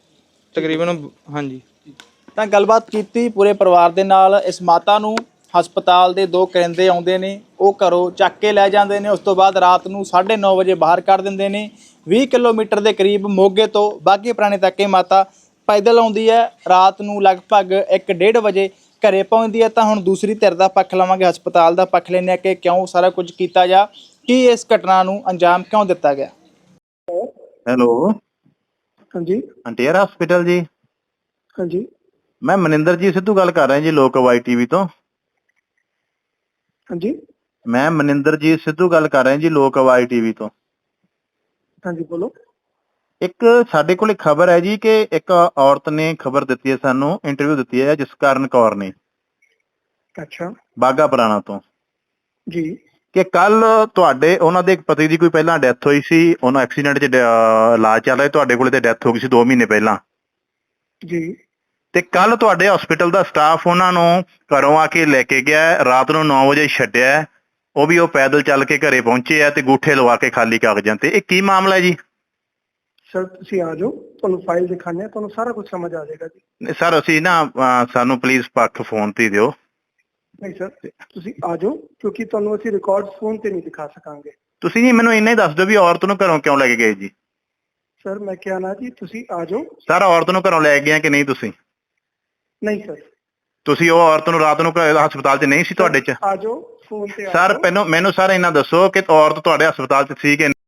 [SPEAKER 3] ਤਕਰੀਬਨ ਹਾਂਜੀ।
[SPEAKER 1] ਤਾਂ ਗੱਲਬਾਤ ਕੀਤੀ ਪੂਰੇ ਪਰਿਵਾਰ ਦੇ ਨਾਲ। ਇਸ ਮਾਤਾ ਨੂੰ ਹਸਪਤਾਲ ਦੇ ਦੋ ਕਰਿੰਦੇ ਆਉਂਦੇ ਨੇ, ਉਹ ਘਰੋਂ ਚੱਕ ਕੇ ਲੈ ਜਾਂਦੇ ਨੇ, ਉਸ ਤੋਂ ਬਾਅਦ ਰਾਤ ਨੂੰ ਸਾਢੇ ਨੌ ਵਜੇ ਬਾਹਰ ਕੱਢ ਦਿੰਦੇ ਨੇ। ਵੀਹ ਕਿਲੋਮੀਟਰ ਦੇ ਕਰੀਬ ਮੋਗੇ ਤੋਂ ਬਾਘੇ ਪੁਰਾਣੇ ਤੱਕ ਇਹ ਮਾਤਾ ਪੈਦਲ ਆਉਂਦੀ ਹੈ। ਰਾਤ ਨੂੰ ਲਗਭਗ ਇੱਕ ਡੇਢ ਵਜੇ ਘਰੇ ਪਹੁੰਚਦੀ ਹੈ। ਤਾਂ ਹੁਣ ਦੂਸਰੀ ਧਿਰ ਦਾ ਪੱਖ ਲਵਾਂਗੇ, ਹਸਪਤਾਲ ਦਾ ਪੱਖ ਲੈਂਦੇ ਹਾਂ ਕਿ ਕਿਉਂ ਸਾਰਾ ਕੁਝ ਕੀਤਾ ਜਾ, ਕੀ ਇਸ ਘਟਨਾ ਨੂੰ ਅੰਜਾਮ ਕਿਉਂ ਦਿੱਤਾ ਗਿਆ।
[SPEAKER 8] ਹੈਲੋ,
[SPEAKER 6] ਹਾਂਜੀ
[SPEAKER 8] ਅੰਟੀਅਰ ਹਸਪੀਟਲ ਜੀ।
[SPEAKER 6] ਹਾਂਜੀ
[SPEAKER 8] ਮੈਂ ਮਨਿੰਦਰ ਜੀ ਸਿੱਧੂ ਗੱਲ ਕਰ ਰਿਹਾ ਜੀ, ਲੋਕ ਵਾਈ ਟੀਵੀ ਤੋਂ।
[SPEAKER 6] ਹਾਂਜੀ
[SPEAKER 8] ਮੈਂ ਮਨਿੰਦਰ ਜੀ ਸਿੱਧੂ ਗੱਲ ਕਰ ਰਿਹਾ ਜੀ, ਲੋਕ ਵਾਈ ਟੀਵੀ ਤੋਂ।
[SPEAKER 6] ਹਾਂਜੀ ਬੋਲੋ।
[SPEAKER 8] ਇੱਕ ਸਾਡੇ ਕੋਲ ਖਬਰ ਹੈ ਜੀ ਕਿ ਇੱਕ ਔਰਤ ਨੇ ਖਬਰ ਦਿੱਤੀ ਹੈ, ਸਾਨੂੰ ਇੰਟਰਵਿਊ ਦਿੱਤੀ ਹੈ ਜਸਕਰਨ ਕੌਰ ਨੇ,
[SPEAKER 6] ਅੱਛਾ
[SPEAKER 8] ਬਾਘਾ ਪੁਰਾਣਾ ਤੋਂ
[SPEAKER 6] ਜੀ।
[SPEAKER 8] ਕਿ ਕੱਲ ਤੁਹਾਡੇ ਉਹਨਾਂ ਦੇ ਪਤੀ ਦੀ ਕੋਈ ਪਹਿਲਾਂ ਡੈਥ ਹੋਈ ਸੀ, ਉਹਨਾਂ ਐਕਸੀਡੈਂਟ 'ਚ ਡ- ਅਹ ਇਲਾਜ ਚੱਲ ਰਿਹਾ, ਤੁਹਾਡੇ ਕੋਲੇ ਤੇ ਡੈਥ ਹੋ ਗਈ ਸੀ ਦੋ ਮਹੀਨੇ ਪਹਿਲਾਂ
[SPEAKER 9] ਜੀ।
[SPEAKER 8] ਤੇ ਕੱਲ ਤੁਹਾਡੇ ਹਸਪੀਟਲ ਦਾ ਸਟਾਫ ਉਹਨਾਂ ਨੂੰ ਘਰੋਂ ਆ ਕੇ ਲੈ ਕੇ ਗਿਆ ਹੈ, ਰਾਤ ਨੂੰ ਨੌ ਵਜੇ ਛੱਡਿਆ ਹੈ, ਉਹ ਵੀ ਉਹ ਪੈਦਲ ਚੱਲ ਕੇ ਘਰੇ ਪਹੁੰਚੇ ਆ ਤੇ ਗੂਠੇ ਲਵਾ ਕੇ ਖਾਲੀ ਕਾਗਜ਼ਾਂ ਤੇ। ਇਹ ਕੀ ਮਾਮਲਾ ਹੈ ਜੀ?
[SPEAKER 9] ਸਰ ਤੁਸੀਂ ਆ ਜਾਓ, ਤੁਹਾਨੂੰ ਫਾਈਲ ਦਿਖਾਣੇ ਆ, ਤੁਹਾਨੂੰ ਸਾਰਾ ਕੁਝ ਸਮਝ ਆ ਜਾਏਗਾ ਜੀ।
[SPEAKER 8] ਸਰ ਅਸੀਂ ਨਾ ਅਹ ਸਾਨੂੰ ਪਲੀਜ਼ ਪੱਖ ਫੋਨ ਤੇ ਦਿਓ।
[SPEAKER 9] ਨਹੀਂ ਸਰ, ਤੁਸੀਂ ਆ ਜਾਓ, ਕਿਉਂਕਿ ਤੁਹਾਨੂੰ ਅਸੀਂ ਰਿਕਾਰਡ ਫੋਨ ਤੇ ਨਹੀਂ ਦਿਖਾ ਸਕਾਂਗੇ।
[SPEAKER 8] ਤੁਸੀਂ ਜੀ ਮੈਨੂੰ ਇੰਨਾ ਹੀ ਦੱਸ ਦਿਓ ਵੀ ਔਰਤ ਨੂੰ ਘਰੋਂ ਕਿਉਂ ਲੈ ਕੇ ਗਏ ਜੀ?
[SPEAKER 9] ਸਰ ਮੈਂ ਕਿਹਾ ਨਾ ਜੀ, ਤੁਸੀਂ ਆ ਜਾਓ।
[SPEAKER 8] ਸਰ ਔਰਤ ਨੂੰ ਘਰੋਂ ਲੈ ਗਏ ਕਿ ਨਹੀਂ ਤੁਸੀਂ?
[SPEAKER 9] ਨਹੀਂ ਸਰ।
[SPEAKER 8] ਤੁਸੀਂ ਉਹ ਔਰਤ ਨੂੰ ਰਾਤ ਨੂੰ ਘਰ- ਹਸਪਤਾਲ 'ਚ ਨਹੀਂ ਸੀ ਤੁਹਾਡੇ 'ਚ?
[SPEAKER 9] ਆ ਜਾਓ, ਫੋਨ ਤੇ ਆ
[SPEAKER 8] ਸਰ
[SPEAKER 9] ਜਾਓ।
[SPEAKER 8] ਪਹਿਲਾਂ ਮੈਨੂੰ ਸਰ ਇਹਨਾਂ ਦੱਸੋ ਕਿ ਔਰਤ ਤੁਹਾਡੇ ਹਸਪਤਾਲ 'ਚ ਸੀ ਕਿ